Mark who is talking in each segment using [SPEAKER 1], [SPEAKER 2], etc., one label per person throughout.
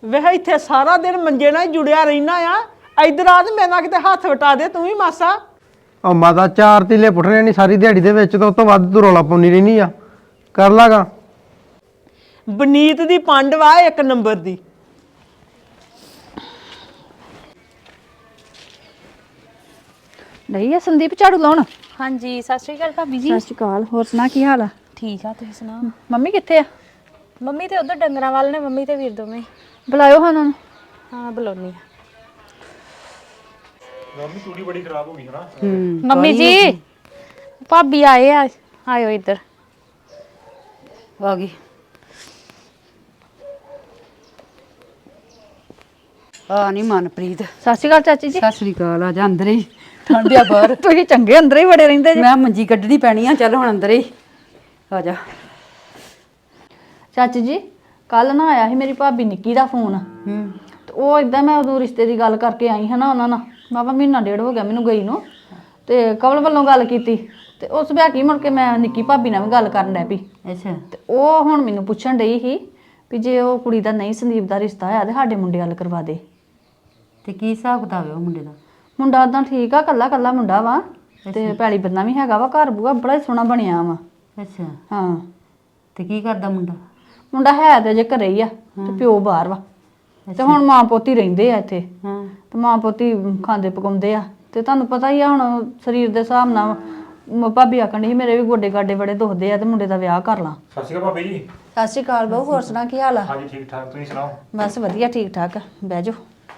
[SPEAKER 1] ਵੇਹ ਇੱਥੇ ਸਾਰਾ ਦਿਨ ਮੰਜੇ ਨਾਲ ਹੀ ਜੁੜਿਆ ਰਹਿਣਾ ਆ। ਇਧਰ ਆ ਤੇ ਮੇਰੇ ਨਾਲ ਕਿਤੇ ਹੱਥ ਵਟਾ ਦੇ ਤੂੰ ਵੀ ਮਾਸਾ।
[SPEAKER 2] ਉਹ ਮਾਤਾ 4 ਤੀਲੇ ਪੁੱਟਣੇ ਨਹੀਂ ਸਾਰੀ ਦਿਹਾੜੀ ਦੇ ਵਿੱਚ ਤਾਂ ਉਸ ਤੋਂ ਵੱਧ ਤੂੰ ਰੌਲਾ ਪਾਉਣੀ ਰਹਿਨੀ ਆ। ਕਰ ਲਾਗਾ।
[SPEAKER 1] ਬਨੀਤ ਦੀ ਪੰਡ ਵਾ ਇੱਕ ਨੰਬਰ ਦੀ।
[SPEAKER 3] ਨਹੀਂ ਆ ਸੰਦੀਪ ਝਾੜੂ ਲਾਉਣ।
[SPEAKER 4] ਹਾਂਜੀ ਸਤਿ ਸ਼੍ਰੀ ਅਕਾਲ ਭਾਬੀ ਜੀ।
[SPEAKER 3] ਸਤਿ ਸ਼੍ਰੀ ਅਕਾਲ। ਹੋਰ ਸੁਣਾ ਕੀ ਹਾਲ ਆ?
[SPEAKER 4] ਠੀਕ ਆ ਤੁਸੀਂ ਸੁਣਾਓ।
[SPEAKER 3] ਮੰਮੀ ਕਿੱਥੇ ਆ?
[SPEAKER 4] ਮੰਮੀ ਤੇ ਉਧਰ ਡੰਗਰਾਂ ਵੱਲ ਨੇ, ਮੰਮੀ ਤੇ ਵੀਰ ਦੋਵੇਂ।
[SPEAKER 3] ਬੁਲਾਇਓ ਹਾਂ ਉਹਨਾਂ ਨੂੰ।
[SPEAKER 4] ਹਾਂ ਬੁਲਾਉਣੀ ਆ।
[SPEAKER 5] ਮੰਮੀ ਤੂੜੀ ਬੜੀ ਖਰਾਬ ਹੋ ਗਈ ਹਨਾ।
[SPEAKER 4] ਮੰਮੀ ਜੀ ਭਾਬੀ ਆਏ ਆ, ਆਇਓ ਇੱਧਰ।
[SPEAKER 3] ਆ ਗਈ।
[SPEAKER 6] ਆ ਨਹੀਂ ਮਨਪ੍ਰੀਤ।
[SPEAKER 3] ਸਤਿ ਸ਼੍ਰੀ ਅਕਾਲ ਚਾਚੀ ਜੀ।
[SPEAKER 6] ਸਤਿ ਸ੍ਰੀ ਅਕਾਲ। ਆ ਜਾ ਅੰਦਰ ਹੀ ਠੰਡਿਆ ਬਾਹਰ।
[SPEAKER 3] ਤੁਸੀਂ ਚੰਗੇ ਅੰਦਰ ਹੀ ਵੜੇ ਰਹਿੰਦੇ ਜੀ।
[SPEAKER 6] ਮੈਂ ਮੰਜੀ ਕੱਢਣੀ ਪੈਣੀ ਆ। ਚੱਲ ਹੁਣ ਅੰਦਰ ਹੀ ਆ ਜਾ।
[SPEAKER 3] ਚਾਚੀ ਜੀ ਕੱਲ ਨਾ ਆਇਆ ਸੀ ਮੇਰੀ ਭਾਬੀ ਨਿੱਕੀ ਦਾ ਫੋਨ। ਤੇ ਉਹ ਇਦਾਂ ਮੈਂ ਉਦੋਂ ਰਿਸ਼ਤੇ ਦੀ ਗੱਲ ਕਰਕੇ ਆਈ ਹਾਂ ਨਾ ਉਹਨਾਂ ਨਾਲ। ਬਾਬਾ ਮਹੀਨਾ ਡੇਢ ਹੋ ਗਿਆ ਮੈਨੂੰ ਗਈ ਨੂੰ। ਤੇ ਕਵਲ ਵੱਲੋਂ ਗੱਲ ਕੀਤੀ ਤੇ ਉਸ ਵਿਆਹ ਕੀ ਮੁੜ ਕੇ ਮੈਂ ਨਿੱਕੀ ਭਾਬੀ ਨਾਲ ਵੀ ਗੱਲ ਕਰਨ ਲੱਗ ਪਈ।
[SPEAKER 6] ਅੱਛਾ।
[SPEAKER 3] ਤੇ ਉਹ ਹੁਣ ਮੈਨੂੰ ਪੁੱਛਣ ਡਈ ਸੀ ਵੀ ਜੇ ਉਹ ਕੁੜੀ ਦਾ ਨਹੀਂ ਸੰਦੀਪ ਦਾ ਰਿਸ਼ਤਾ ਹੋਇਆ ਤੇ ਸਾਡੇ ਮੁੰਡੇ ਵੱਲ ਕਰਵਾ ਦੇ।
[SPEAKER 6] ਤੇ ਕੀ ਹਿਸਾਬ ਕਿਤਾਬ ਹੈ ਉਹ ਮੁੰਡੇ ਦਾ?
[SPEAKER 3] ਮੁੰਡਾ ਉਦਾਂ ਠੀਕ ਆ, ਕੱਲਾ ਕੱਲਾ ਮੁੰਡਾ ਵਾ ਤੇ ਪੈਲੀ ਬੰਨਾ ਵੀ ਹੈਗਾ ਵਾ, ਘਰ ਬੂਆ ਬੜਾ ਹੀ ਸੋਹਣਾ ਬਣਿਆ ਵਾ।
[SPEAKER 6] ਅੱਛਾ।
[SPEAKER 3] ਹਾਂ
[SPEAKER 6] ਤੇ ਕੀ ਕਰਦਾ ਮੁੰਡਾ?
[SPEAKER 3] ਮੁੰਡਾ ਹੈ ਤੇ ਜੇ ਘਰੇ ਹੀ ਆ ਤੇ ਪਿਓ ਬਾਹਰ ਵਾ। ਤੇ ਹੁਣ ਮਾਂ ਪੋਤੀ ਰਹਿੰਦੇ ਆ ਇੱਥੇ।
[SPEAKER 6] ਹਾਂ।
[SPEAKER 3] ਤੇ ਮਾਂ ਪੋਤੀ ਖਾਂਦੇ ਪਕਾਉਂਦੇ ਆ। ਤੇ ਤੁਹਾਨੂੰ ਪਤਾ ਹੀ ਆ ਹੁਣ ਸਰੀਰ ਦੇ ਹਿਸਾਬ ਨਾਲ ਭਾਬੀ ਆਖਣ ਡਈ ਸੀ ਮੇਰੇ ਵੀ ਗੋਡੇ ਗਾਡੇ ਬੜੇ ਦੁਖਦੇ ਆ ਤੇ ਮੁੰਡੇ ਦਾ ਵਿਆਹ ਕਰ ਲਾਂ।
[SPEAKER 5] ਸਤਿ ਸ਼੍ਰੀ ਅਕਾਲ ਭਾਬੀ ਜੀ।
[SPEAKER 3] ਸਤਿ ਸ਼੍ਰੀ ਅਕਾਲ ਬਾਊ। ਹੋਰ ਸੁਣਾ ਕੀ ਹਾਲ ਆ?
[SPEAKER 5] ਹਾਂਜੀ ਠੀਕ ਠਾਕ, ਤੁਸੀਂ ਸੁਣਾਓ।
[SPEAKER 3] ਬਸ ਵਧੀਆ ਠੀਕ ਠਾਕ। ਬਹਿ ਜਾਓ।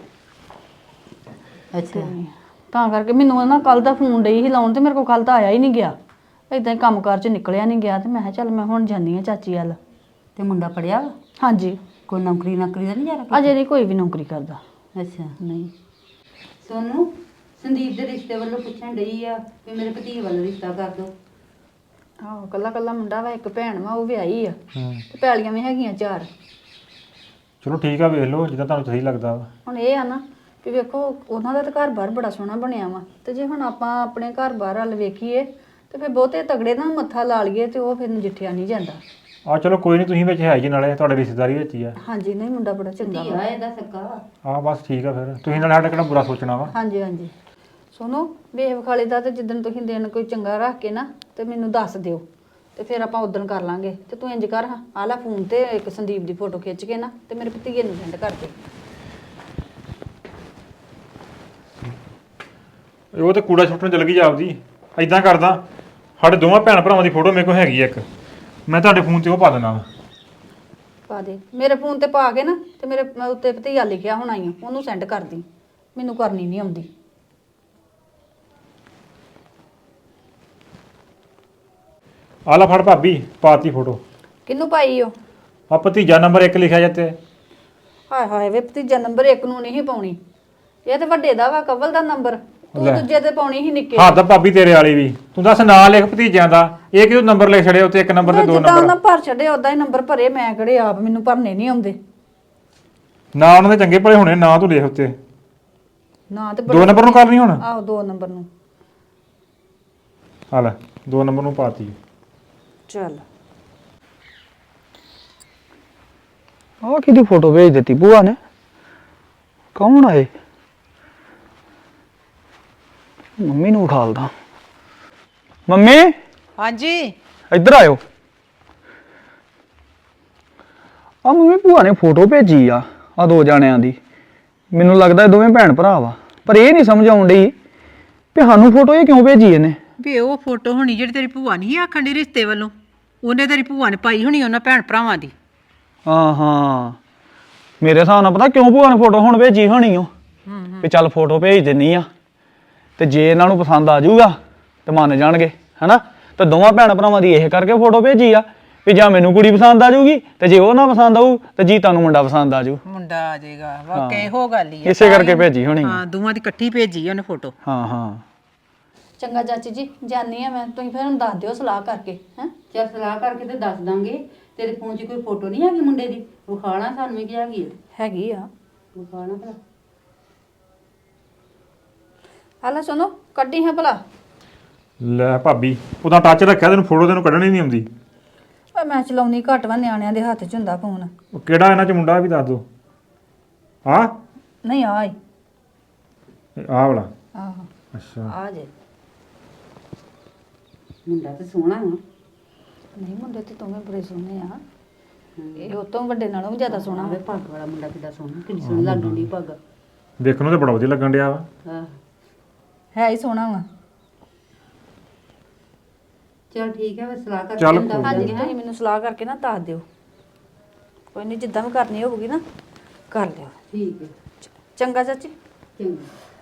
[SPEAKER 6] ਅੱਛਾ।
[SPEAKER 3] ਤਾਂ ਕਰਕੇ ਮੈਨੂੰ ਨਾ ਕੱਲ ਦਾ ਫੋਨ ਡਈ ਸੀ ਲਾਉਣ ਤੇ ਮੇਰੇ ਕੋਲ ਕੱਲ ਤਾਂ ਆਇਆ ਹੀ ਨਹੀਂ ਗਿਆ। ਇਦਾਂ ਹੀ ਕੰਮਕਾਰ ਚ ਨਿਕਲਿਆ ਨਹੀਂ ਗਿਆ ਤੇ ਮੈਂ ਕਿਹਾ ਚੱਲ ਮੈਂ ਹੁਣ ਜਾਂਦੀ ਆ ਚਾਚੀ ਵੱਲ।
[SPEAKER 6] ਤੇ ਮੁੰਡਾ ਪੜਿਆ ਵਾ?
[SPEAKER 3] ਹਾਂਜੀ।
[SPEAKER 6] ਕੋਈ ਨੌਕਰੀ ਦਾ ਨਹੀਂ ਜਾ ਰਿਹਾ?
[SPEAKER 3] ਅਜੇ ਨਹੀਂ ਕੋਈ ਵੀ ਨੌਕਰੀ ਕਰਦਾ।
[SPEAKER 6] ਅੱਛਾ।
[SPEAKER 3] ਨਹੀਂ।
[SPEAKER 6] ਸੋਨੂੰ ਸੰਦੀਪ ਦੇ ਰਿਸ਼ਤੇ ਵੱਲੋਂ ਪੁੱਛਣ ਡਈ ਆ ਵੀ ਮੇਰੇ ਭਤੀਜੇ ਵੱਲ ਰਿਸ਼ਤਾ ਕਰ ਦੋ।
[SPEAKER 3] ਆਹੋ ਕੱਲਾ ਕੱਲਾ ਮੁੰਡਾ ਵਾ, ਇੱਕ ਭੈਣ ਵਾ ਉਹ ਵਿਆਹੀ ਆ ਤੇ ਪੈਲੀਆਂ ਵੀ ਹੈਗੀਆਂ 4।
[SPEAKER 5] ਚਲੋ ਠੀਕ ਆ, ਵੇਖ ਲਓ ਜਿੱਦਾਂ ਤੁਹਾਨੂੰ ਸਹੀ ਲੱਗਦਾ ਵਾ।
[SPEAKER 3] ਹੁਣ ਇਹ ਆ ਨਾ ਕਿ ਵੇਖੋ ਉਹਨਾਂ ਦਾ ਤਾਂ ਘਰ-ਬਾਰ ਬੜਾ ਸੋਹਣਾ ਬਣਿਆ ਵਾ ਤੇ ਜੇ ਹੁਣ ਆਪਾਂ ਆਪਣੇ ਘਰ-ਬਾਰ ਵੱਲ ਵੇਖੀਏ ਤੇ ਫਿਰ ਬਹੁਤੇ ਤਗੜੇ ਨਾਲ ਮੱਥਾ ਲਾ ਲਈਏ ਤੇ ਉਹ ਫਿਰ ਨਜਿੱਠਿਆ ਨਹੀਂ ਜਾਂਦਾ।
[SPEAKER 5] ਆ ਚਲੋ ਕੋਈ ਨਹੀਂ, ਤੁਸੀਂ ਵਿੱਚ ਹੈ ਜੀ, ਨਾਲੇ ਤੁਹਾਡੇ ਰਿਸ਼ਤੇਦਾਰੀ ਵਿੱਚ ਹੀ ਆ।
[SPEAKER 3] ਹਾਂਜੀ। ਨਹੀਂ ਮੁੰਡਾ ਬੜਾ ਚੰਗਾ ਵਾ।
[SPEAKER 6] ਧੀਆ ਇਹਦਾ ਸੱਕਾ।
[SPEAKER 5] ਆ ਬਸ ਠੀਕ ਆ, ਫਿਰ ਤੁਸੀਂ ਨਾਲੇ ਸਾਡਾ ਕਿਹੜਾ ਬੁਰਾ ਸੋਚਣਾ ਵਾ।
[SPEAKER 3] ਹਾਂਜੀ ਹਾਂਜੀ। ਸੁਣੋ ਵੇਖ ਵਿਖਾਲੇ ਦਾ ਤੇ ਜਿੱਦਣ ਤੁਸੀਂ ਦਿਨ ਕੋਈ ਚੰਗਾ ਰੱਖ ਕੇ ਨਾ ਤੇ ਮੈਨੂੰ ਦੱਸ ਦਿਓ ਤੇ ਫਿਰ ਆਪਾਂ ਉਦਣ ਕਰ ਲਾਂਗੇ। ਤੇ ਤੂੰ ਇੰਜ ਕਰ ਹਾਂ ਆ ਲੈ ਫੋਨ ਤੇ ਇੱਕ ਸੰਦੀਪ ਦੀ ਫੋਟੋ ਖਿੱਚ ਕੇ ਨਾ ਤੇ ਮੇਰੇ ਭਤੀਜੇ ਨੂੰ ਸੈਂਡ ਕਰ ਦੇ।
[SPEAKER 5] ਉਹ ਤੇ ਕੂੜਾ ਸੁੱਟਣ ਚਲ ਗਈ ਜਾਪਦੀ। ਐਦਾਂ ਕਰਦਾ, ਸਾਡੇ ਦੋਵਾਂ ਭੈਣ ਭਰਾਵਾਂ ਦੀ ਫੋਟੋ ਮੇਰੇ ਕੋਲ ਹੈਗੀ ਆ ਇੱਕ, ਮੈਂ ਤੁਹਾਡੇ ਫੋਨ ਤੇ ਉਹ ਪਾ ਦੇਣਾ ਵਾ।
[SPEAKER 3] ਪਾ ਦੇ ਮੇਰੇ ਫੋਨ ਤੇ ਪਾ ਕੇ ਨਾ ਤੇ ਮੇਰੇ ਉੱਤੇ ਭਤੀਜਾ ਲਿਖਿਆ ਹੋਣਾ ਹੀ ਉਹਨੂੰ ਸੈਂਡ ਕਰ ਦੀ। ਮੈਨੂੰ ਕਰਨੀ ਨਹੀਂ ਆਉਂਦੀ।
[SPEAKER 5] ਆ ਲੈ ਫੜ ਭਾਬੀ, ਪਾਤੀ ਫੋਟੋ।
[SPEAKER 3] ਕਿਹਨੂੰ ਪਾਈ ਓ?
[SPEAKER 5] ਆ ਭਤੀਜਾ ਨੰਬਰ 1 ਲਿਖਿਆ ਜਾਂਦੇ।
[SPEAKER 3] ਹਾਏ ਹਾਏ ਵੇ ਭਤੀਜਾ ਨੰਬਰ 1 ਨੂੰ ਨਹੀਂ ਪਾਉਣੀ। ਇਹ ਤੇ ਵੱਡੇ ਦਾ ਵਾ ਕਵਲ ਦਾ ਨੰਬਰ। ਤੂੰ
[SPEAKER 5] ਲੈ।
[SPEAKER 3] ਦੂਜੇ ਤੇ ਪਾਉਣੀ ਸੀ ਨਿੱਕੇ।
[SPEAKER 5] ਹੱਦ ਭਾਬੀ ਤੇਰੇ ਵਾਲੀ ਵੀ। ਤੂੰ ਦੱਸ ਨਾਂ ਲਿਖ ਭਤੀਜਿਆਂ ਦਾ, ਇਹ ਕਿਉਂ ਨੰਬਰ ਲਿਖ ਛੜਿਆ ਉੱਤੇ, 1 ਨੰਬਰ ਤੇ 2
[SPEAKER 3] ਜਿੱਦਾਂ
[SPEAKER 5] ਨੰਬਰ।
[SPEAKER 3] ਉਹਨਾਂ ਭਰ ਛੱਡੇ ਉਦਾਂ ਹੀ ਨੰਬਰ ਭਰੇ। ਮੈਂ ਕਿਹੜੇ ਆਪ ਮੈਨੂੰ ਭਰਨੇ ਨਹੀਂ ਆਉਂਦੇ।
[SPEAKER 5] ਨਾ ਉਹਨਾਂ ਦੇ ਚੰਗੇ ਭਲੇ ਹੋਣੇ, ਨਾ ਤੂੰ ਲਿਖ ਉੱਤੇ।
[SPEAKER 3] ਨਾ ਤੇ
[SPEAKER 5] 2 ਨੰਬਰ ਨੂੰ ਕਰਨੀ ਹੁਣ।
[SPEAKER 3] ਆਹੋ 2 ਨੰਬਰ ਨੂੰ।
[SPEAKER 5] ਆ ਲੈ 2 ਨੰਬਰ ਨੂੰ ਪਾਤੀ।
[SPEAKER 3] ਚੱਲ
[SPEAKER 2] ਆਹ ਕਿਹਦੀ ਫੋਟੋ ਭੇਜ ਦਿੱਤੀ ਭੂਆ ਨੇ? ਕੌਣ ਆਏ? ਮੰਮੀ ਨੂੰ ਵਿਖਾਲਦਾ। ਮੰਮੀ
[SPEAKER 1] ਹਾਂਜੀ।
[SPEAKER 2] ਇੱਧਰ ਆਇਓ। ਆ ਮੰਮੀ ਭੂਆ ਨੇ ਫੋਟੋ ਭੇਜੀ ਆ 2 ਜਾਣਿਆਂ ਦੀ। ਮੈਨੂੰ ਲੱਗਦਾ ਇਹ ਦੋਵੇਂ ਭੈਣ ਭਰਾ ਵਾ, ਪਰ ਇਹ ਨਹੀਂ ਸਮਝ ਆਉਣ ਡਈ ਵੀ ਸਾਨੂੰ ਫੋਟੋ ਇਹ ਕਿਉਂ ਭੇਜੀ ਇਹਨੇ।
[SPEAKER 1] ਵੀ ਉਹ ਫੋਟੋ ਹੋਣੀ ਜਿਹੜੀ ਤੇਰੀ ਭੂਆ ਨਹੀਂ ਆਖਣ ਦੀ ਰਿਸ਼ਤੇ ਵੱਲੋਂ, ਉਹਨੇ ਤੇਰੀ ਭੂਆ ਨੇ ਪਾਈ ਹੋਣੀ ਉਹਨਾਂ ਭੈਣ ਭਰਾਵਾਂ ਦੀ।
[SPEAKER 2] ਹਾਂ ਹਾਂ, ਮੇਰੇ ਹਿਸਾਬ ਨਾਲ ਪਤਾ ਕਿਉਂ ਭੂਆ ਨੇ ਫੋਟੋ ਹੁਣ ਭੇਜੀ ਹੋਣੀ ਉਹ ਵੀ ਚੱਲ ਫੋਟੋ ਭੇਜ ਦਿੰਨੀ ਆ ਤੇ ਜੇ ਇਹਨਾਂ ਨੂੰ ਪਸੰਦ ਆ ਜਾਊਗਾ ਤੇ ਮੰਨ ਜਾਣਗੇ ਹਨਾ। ਤੇ ਦੋਵਾਂ ਭੈਣ ਭਰਾਵਾਂ ਦੀ ਇਹ ਕਰਕੇ ਫੋਟੋ ਭੇਜੀ ਆ ਵੀ ਜਾਂ ਮੈਨੂੰ ਕੁੜੀ ਪਸੰਦ ਆ ਜਾਊਗੀ ਤੇ ਜੇ ਉਹ ਨਾ ਪਸੰਦ ਆਊ ਤੇ ਜੀ ਤੁਹਾਨੂੰ ਮੁੰਡਾ ਪਸੰਦ ਆ ਜਾਊ।
[SPEAKER 1] ਮੁੰਡਾ ਆ ਜਾਏਗਾ ਵਾਕਈ ਇਹੋ ਗੱਲ ਹੀ ਆ।
[SPEAKER 2] ਇਸੇ ਕਰਕੇ ਭੇਜੀ ਹੋਣੀ।
[SPEAKER 1] ਹਾਂ ਦੋਵਾਂ ਦੀ ਇਕੱਠੀ ਭੇਜੀ ਉਹਨੇ ਫੋਟੋ।
[SPEAKER 2] ਹਾਂ ਹਾਂ
[SPEAKER 3] ਚੰਗਾ ਚਾਚੀ ਜੀ ਜਾਨੀ ਆ ਮੈਂ। ਤੁਸੀਂ ਫਿਰ ਹੁਣ ਦੱਸ ਦਿਓ ਸਲਾਹ ਕਰਕੇ ਹੈ।
[SPEAKER 6] ਚੱਲ ਸਲਾਹ ਕਰਕੇ ਤੇ ਦੱਸ ਦਾਂਗੇ। ਤੇਰੇ ਫੋਨ 'ਚ ਕੋਈ ਫੋਟੋ ਨਹੀਂ ਹੈਗੀ ਮੁੰਡੇ ਦੀ? ਵਿਖਾਣਾ ਸਾਨੂੰ ਵੀ ਕੀ ਹੈਗੀ ਹੈ।
[SPEAKER 3] ਹੈਗੀ ਆ।
[SPEAKER 6] ਵਿਖਾਣਾ ਭਲਾ।
[SPEAKER 3] ਹਾਲਾ ਸੁਣੋ ਕੱਢੀ ਹੈ ਭਲਾ।
[SPEAKER 5] ਲੈ ਭਾਬੀ ਉਹਦਾ ਟੱਚ ਰੱਖਿਆ, ਤੈਨੂੰ ਫੋਟੋ ਤੈਨੂੰ ਕੱਢਣੀ ਨਹੀਂ ਆਉਂਦੀ।
[SPEAKER 3] ਓਏ ਮੈਂ ਚਲਾਉਣੀ ਘੱਟ ਵਾ, ਨਿਆਣਿਆਂ ਦੇ ਹੱਥ 'ਚ ਹੁੰਦਾ ਫੋਨ।
[SPEAKER 5] ਉਹ ਕਿਹੜਾ ਇਹਨਾਂ 'ਚ ਮੁੰਡਾ ਵੀ ਦੱਸ ਦੋ। ਆ
[SPEAKER 3] ਨਹੀਂ ਆਏ
[SPEAKER 5] ਆਹ ਵਾਲਾ
[SPEAKER 3] ਆਹੋ
[SPEAKER 5] ਅੱਛਾ
[SPEAKER 3] ਆ ਜੇ
[SPEAKER 6] ਮੁੰਡਾ ਤੇ ਸੋਹਣਾ ਵਾ
[SPEAKER 3] ਨਹੀਂ ਮੁੰਡੇ ਤੇ ਤੁਮੇ ਬੜੇ ਸੋਹਣੇ ਆ ਇਹ ਉਹ ਤੋਂ ਵੱਡੇ ਨਾਲੋਂ ਵੀ ਜ਼ਿਆਦਾ ਸੋਹਣਾ
[SPEAKER 6] ਆਵੇ ਪੱਗ ਵਾਲਾ ਮੁੰਡਾ ਕਿੱਡਾ ਸੋਹਣਾ ਕਿੰਨੀ ਸੋਹਣੀ ਲੱਗਣ ਦੀ ਪੱਗ
[SPEAKER 5] ਦੇਖਣ ਨੂੰ ਤੇ ਬੜਾ ਵਧੀਆ ਲੱਗਣ ਡਿਆ ਵਾ
[SPEAKER 6] ਆਹ
[SPEAKER 3] ਹੈ ਹੀ ਸੋਹਣਾ ਵਾ
[SPEAKER 6] ਚਲ ਠੀਕ ਹੈ ਫਿਰ ਸਲਾਹ ਕਰਕੇ
[SPEAKER 5] ਚੱਲ
[SPEAKER 6] ਦੱਸ
[SPEAKER 5] ਕੋਈ
[SPEAKER 3] ਹਾਂਜੀ
[SPEAKER 6] ਦਿੰਦੇ ਹਾਂ।
[SPEAKER 3] ਤੁਸੀਂ ਮੈਨੂੰ ਸਲਾਹ ਕਰਕੇ ਨਾ ਦੱਸ ਦਿਓ ਕੋਈ ਨਹੀਂ ਜਿੱਦਾਂ ਵੀ ਕਰਨੀ ਹੋਊਗੀ ਨਾ ਕਰ ਲਿਓ
[SPEAKER 6] ਠੀਕ ਹੈ
[SPEAKER 3] ਚੰਗਾ ਚਾਚੀ
[SPEAKER 6] ਚੰਗਾ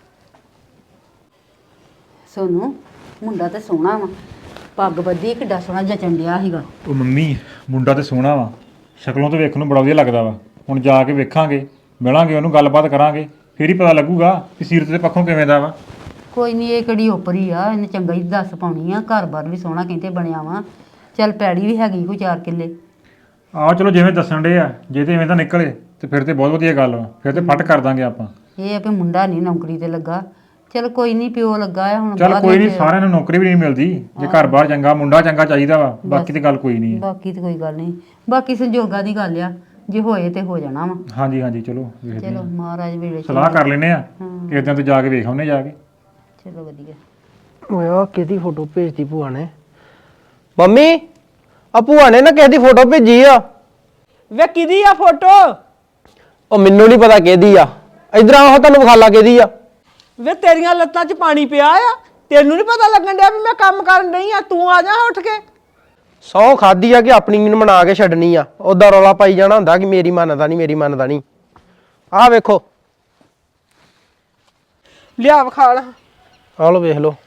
[SPEAKER 6] ਸੋਨੂੰ ਮੁੰਡਾ ਤੇ ਸੋਹਣਾ ਵਾ ਪੱਗ ਬੱਧੀ ਕਿੱਡਾ ਸੋਹਣਾ ਜਚਣ ਡਿਆ ਸੀਗਾ
[SPEAKER 5] ਉਹ ਮੰਮੀ ਮੁੰਡਾ ਤੇ ਸੋਹਣਾ ਵਾ ਸ਼ਕਲੋਂ ਤੋਂ ਵੇਖਣ ਨੂੰ ਬੜਾ ਵਧੀਆ ਲੱਗਦਾ ਵਾ ਹੁਣ ਜਾ ਕੇ ਵੇਖਾਂਗੇ ਮਿਲਾਂਗੇ ਉਹਨੂੰ ਗੱਲਬਾਤ ਕਰਾਂਗੇ ਫਿਰ ਹੀ ਪਤਾ ਲੱਗੂਗਾ ਕਿ ਸੀਰਤ ਦੇ ਪੱਖੋਂ ਕਿਵੇਂ ਦਾ ਵਾ
[SPEAKER 6] ਕੋਈ ਨਹੀਂ ਇਹ ਕਿਹੜੀ ਉਪਰੀ ਆ ਇਹਨੇ ਚੰਗਾ ਹੀ ਦੱਸ ਪਾਉਣੀ ਆ ਘਰ-ਬਾਰ ਵੀ ਸੋਹਣਾ ਕਹਿੰਦੇ ਬਣਿਆ ਵਾ ਚੱਲ ਪੈੜੀ ਵੀ ਹੈਗੀ ਕੋਈ 4 ਕਿੱਲੇ
[SPEAKER 5] ਆਹ ਚਲੋ ਜਿਵੇਂ ਦੱਸਣ ਡੇ ਆ ਜੇ ਤੇ ਐਵੇਂ ਤਾਂ ਨਿਕਲੇ ਤੇ ਫਿਰ ਤੇ ਬਹੁਤ ਵਧੀਆ ਗੱਲ ਵਾ ਫਿਰ ਤੇ ਫਟ ਕਰ ਦਾਂਗੇ ਆਪਾਂ
[SPEAKER 6] ਇਹ ਆ ਵੀ ਮੁੰਡਾ ਨਹੀਂ ਨੌਕਰੀ ਤੇ ਲੱਗਾ ਚਲ ਕੋਈ ਨਹੀਂ ਪਿਓ ਲੱਗਾ ਆ ਹੁਣ
[SPEAKER 5] ਚੱਲ
[SPEAKER 6] ਬਾਅਦ
[SPEAKER 5] ਕੋਈ ਨਹੀਂ
[SPEAKER 6] ਵਿੱਚ-
[SPEAKER 5] ਸਾਰਿਆਂ ਨੂੰ ਨੌਕਰੀ ਵੀ ਨਹੀਂ ਮਿਲਦੀ ਜੇ ਘਰ-ਬਾਰ ਚੰਗਾ ਮੁੰਡਾ ਚੰਗਾ ਚਾਹੀਦਾ ਵਾ ਬਾਕੀ ਤੇ ਗੱਲ ਕੋਈ ਨਹੀਂ ਹੈ
[SPEAKER 6] ਬਾਕੀ ਤੇ ਕੋਈ ਗੱਲ ਨਹੀਂ ਬਾਕੀ ਸੰਜੋਗਾਂ ਦੀ ਗੱਲ ਆ ਜੇ ਹੋਏ ਤੇ ਹੋ ਜਾਣਾ ਵਾ
[SPEAKER 5] ਹਾਂਜੀ ਹਾਂਜੀ ਚਲੋ ਵੇਖਦੇ
[SPEAKER 6] ਚਲੋ
[SPEAKER 5] ਹਾਂ।
[SPEAKER 6] ਮਹਾਰਾਜ ਵੇਲੇ ਚ
[SPEAKER 5] ਸਲਾਹ ਕਰ ਲੈਨੇ ਆ ਕਿਦਾਂ ਤੇ ਜਾ ਕੇ ਵੇਖ ਆਉਨੇ ਜਾ ਕੇ
[SPEAKER 6] ਚਲੋ ਵਧੀਆ
[SPEAKER 7] ਓਏ ਆ ਕਿਹਦੀ ਫੋਟੋ ਭੇਜਦੀ ਭੂਆ ਨੇ ਮੰਮੀ ਆ ਭੂਆ ਨੇ ਨਾ ਕਿਸੇ ਦੀ ਫੋਟੋ ਭੇਜੀ ਆ
[SPEAKER 8] ਵੇ ਕਿਹਦੀ ਆ ਫੋਟੋ?
[SPEAKER 7] ਉਹ ਮੈਨੂੰ ਨਹੀਂ ਪਤਾ ਕਿਹਦੀ ਆ ਇਧਰ ਆਓ ਤੁਹਾਨੂੰ ਵਿਖਾਲਾ ਕਿਹਦੀ ਆ
[SPEAKER 8] ਵੇ ਤੇਰੀਆਂ ਲੱਤਾਂ 'ਚ ਪਾਣੀ ਪਿਆ ਆ ਤੈਨੂੰ ਨਹੀਂ ਪਤਾ ਲੱਗਣ ਡਿਆ ਵੀ ਮੈਂ ਕੰਮ ਕਰਨ ਨਹੀਂ ਆ ਤੂੰ ਆ ਜਾ ਉੱਠ ਕੇ
[SPEAKER 7] ਸੌ ਖਾਦੀ ਆ ਕਿ ਆਪਣੀ ਨੂੰ ਬਣਾ ਕੇ ਛੱਡਣੀ ਆ ਉਹਦਾ ਰੌਲਾ ਪਾਈ ਜਾਣਾ ਹੁੰਦਾ ਕਿ ਮੇਰੀ ਮੰਨਦਾ ਨਹੀਂ ਮੇਰੀ ਮੰਨਦਾ ਨਹੀਂ ਆਹ ਵੇਖੋ
[SPEAKER 8] ਲਿਆ ਵਿਖਾਲ
[SPEAKER 7] ਆਹ ਲੋ ਵੇਖ ਲੋ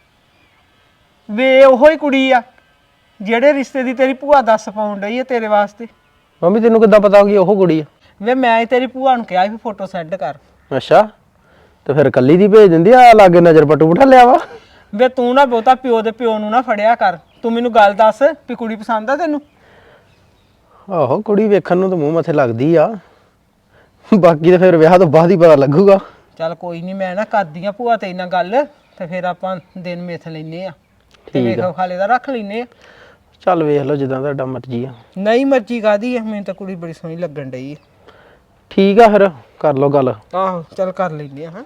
[SPEAKER 8] ਵੇ ਉਹੋ ਹੀ ਕੁੜੀ ਆ ਜਿਹੜੇ ਰਿਸ਼ਤੇ ਦੀ ਤੇਰੀ ਭੂਆ ਦੱਸ ਪਾਉਣ ਡਈ ਆ ਤੇਰੇ ਵਾਸਤੇ
[SPEAKER 7] ਮੰਮੀ ਤੈਨੂੰ ਕਿੱਦਾਂ ਪਤਾ ਕਿ ਉਹ ਕੁੜੀ ਆ
[SPEAKER 8] ਵੇ ਮੈਂ ਹੀ ਤੇਰੀ ਭੂਆ ਨੂੰ ਕਿਹਾ ਵੀ ਫੋਟੋ ਸੈਂਡ ਕਰ
[SPEAKER 7] ਅੱਛਾ ਤੇ ਫਿਰ ਕੱਲੀ ਦੀ ਭੇਜ ਦਿੰਦੀ ਆ ਲਾਗੇ ਨਜ਼ਰ ਪਟੂ ਬਿਠਾ ਲਿਆ ਵਾ
[SPEAKER 8] ਵੇ ਤੂੰ ਨਾ ਬਹੁਤਾ ਪਿਓ ਦੇ ਪਿਓ ਨੂੰ ਨਾ ਫੜਿਆ ਕਰ ਤੂੰ ਮੈਨੂੰ ਗੱਲ ਦੱਸ ਵੀ ਕੁੜੀ ਪਸੰਦ ਆ ਤੈਨੂੰ
[SPEAKER 7] ਆਹੋ ਕੁੜੀ ਵੇਖਣ ਨੂੰ ਤਾਂ ਮੂੰਹ ਮੱਥੇ ਲੱਗਦੀ ਆ ਬਾਕੀ ਤਾਂ ਫਿਰ ਵਿਆਹ ਤੋਂ ਬਾਅਦ ਹੀ ਪਤਾ ਲੱਗੂਗਾ
[SPEAKER 8] ਚੱਲ ਕੋਈ ਨਹੀਂ ਮੈਂ ਨਾ ਕਰਦੀ ਆ ਭੂਆ ਤੇ ਨਾਲ ਗੱਲ ਤੇ ਫਿਰ ਆਪਾਂ ਦਿਨ ਮਿੱਥ ਲੈਨੇ ਆ ਤੇ
[SPEAKER 7] ਠੀਕ ਆ।
[SPEAKER 8] ਵੇਖੋ ਖਾਲੇ ਦਾ ਰੱਖ ਲੈਨੇ ਆ
[SPEAKER 7] ਚੱਲ ਵੇਖ ਲਓ ਜਿੱਦਾਂ ਤੁਹਾਡਾ ਮਰਜ਼ੀ ਆ
[SPEAKER 8] ਨਹੀਂ ਮਰਜ਼ੀ ਕਾਦੀ ਆ ਮੈਨੂੰ ਤਾਂ ਕੁੜੀ ਬੜੀ ਸੋਹਣੀ ਲੱਗਣ ਡਈ ਆ
[SPEAKER 7] ਠੀਕ ਆ ਫਿਰ ਕਰ ਲਓ ਗੱਲ
[SPEAKER 8] ਆਹੋ ਚੱਲ ਕਰ ਲੈਨੇ ਆ ਹਾਂ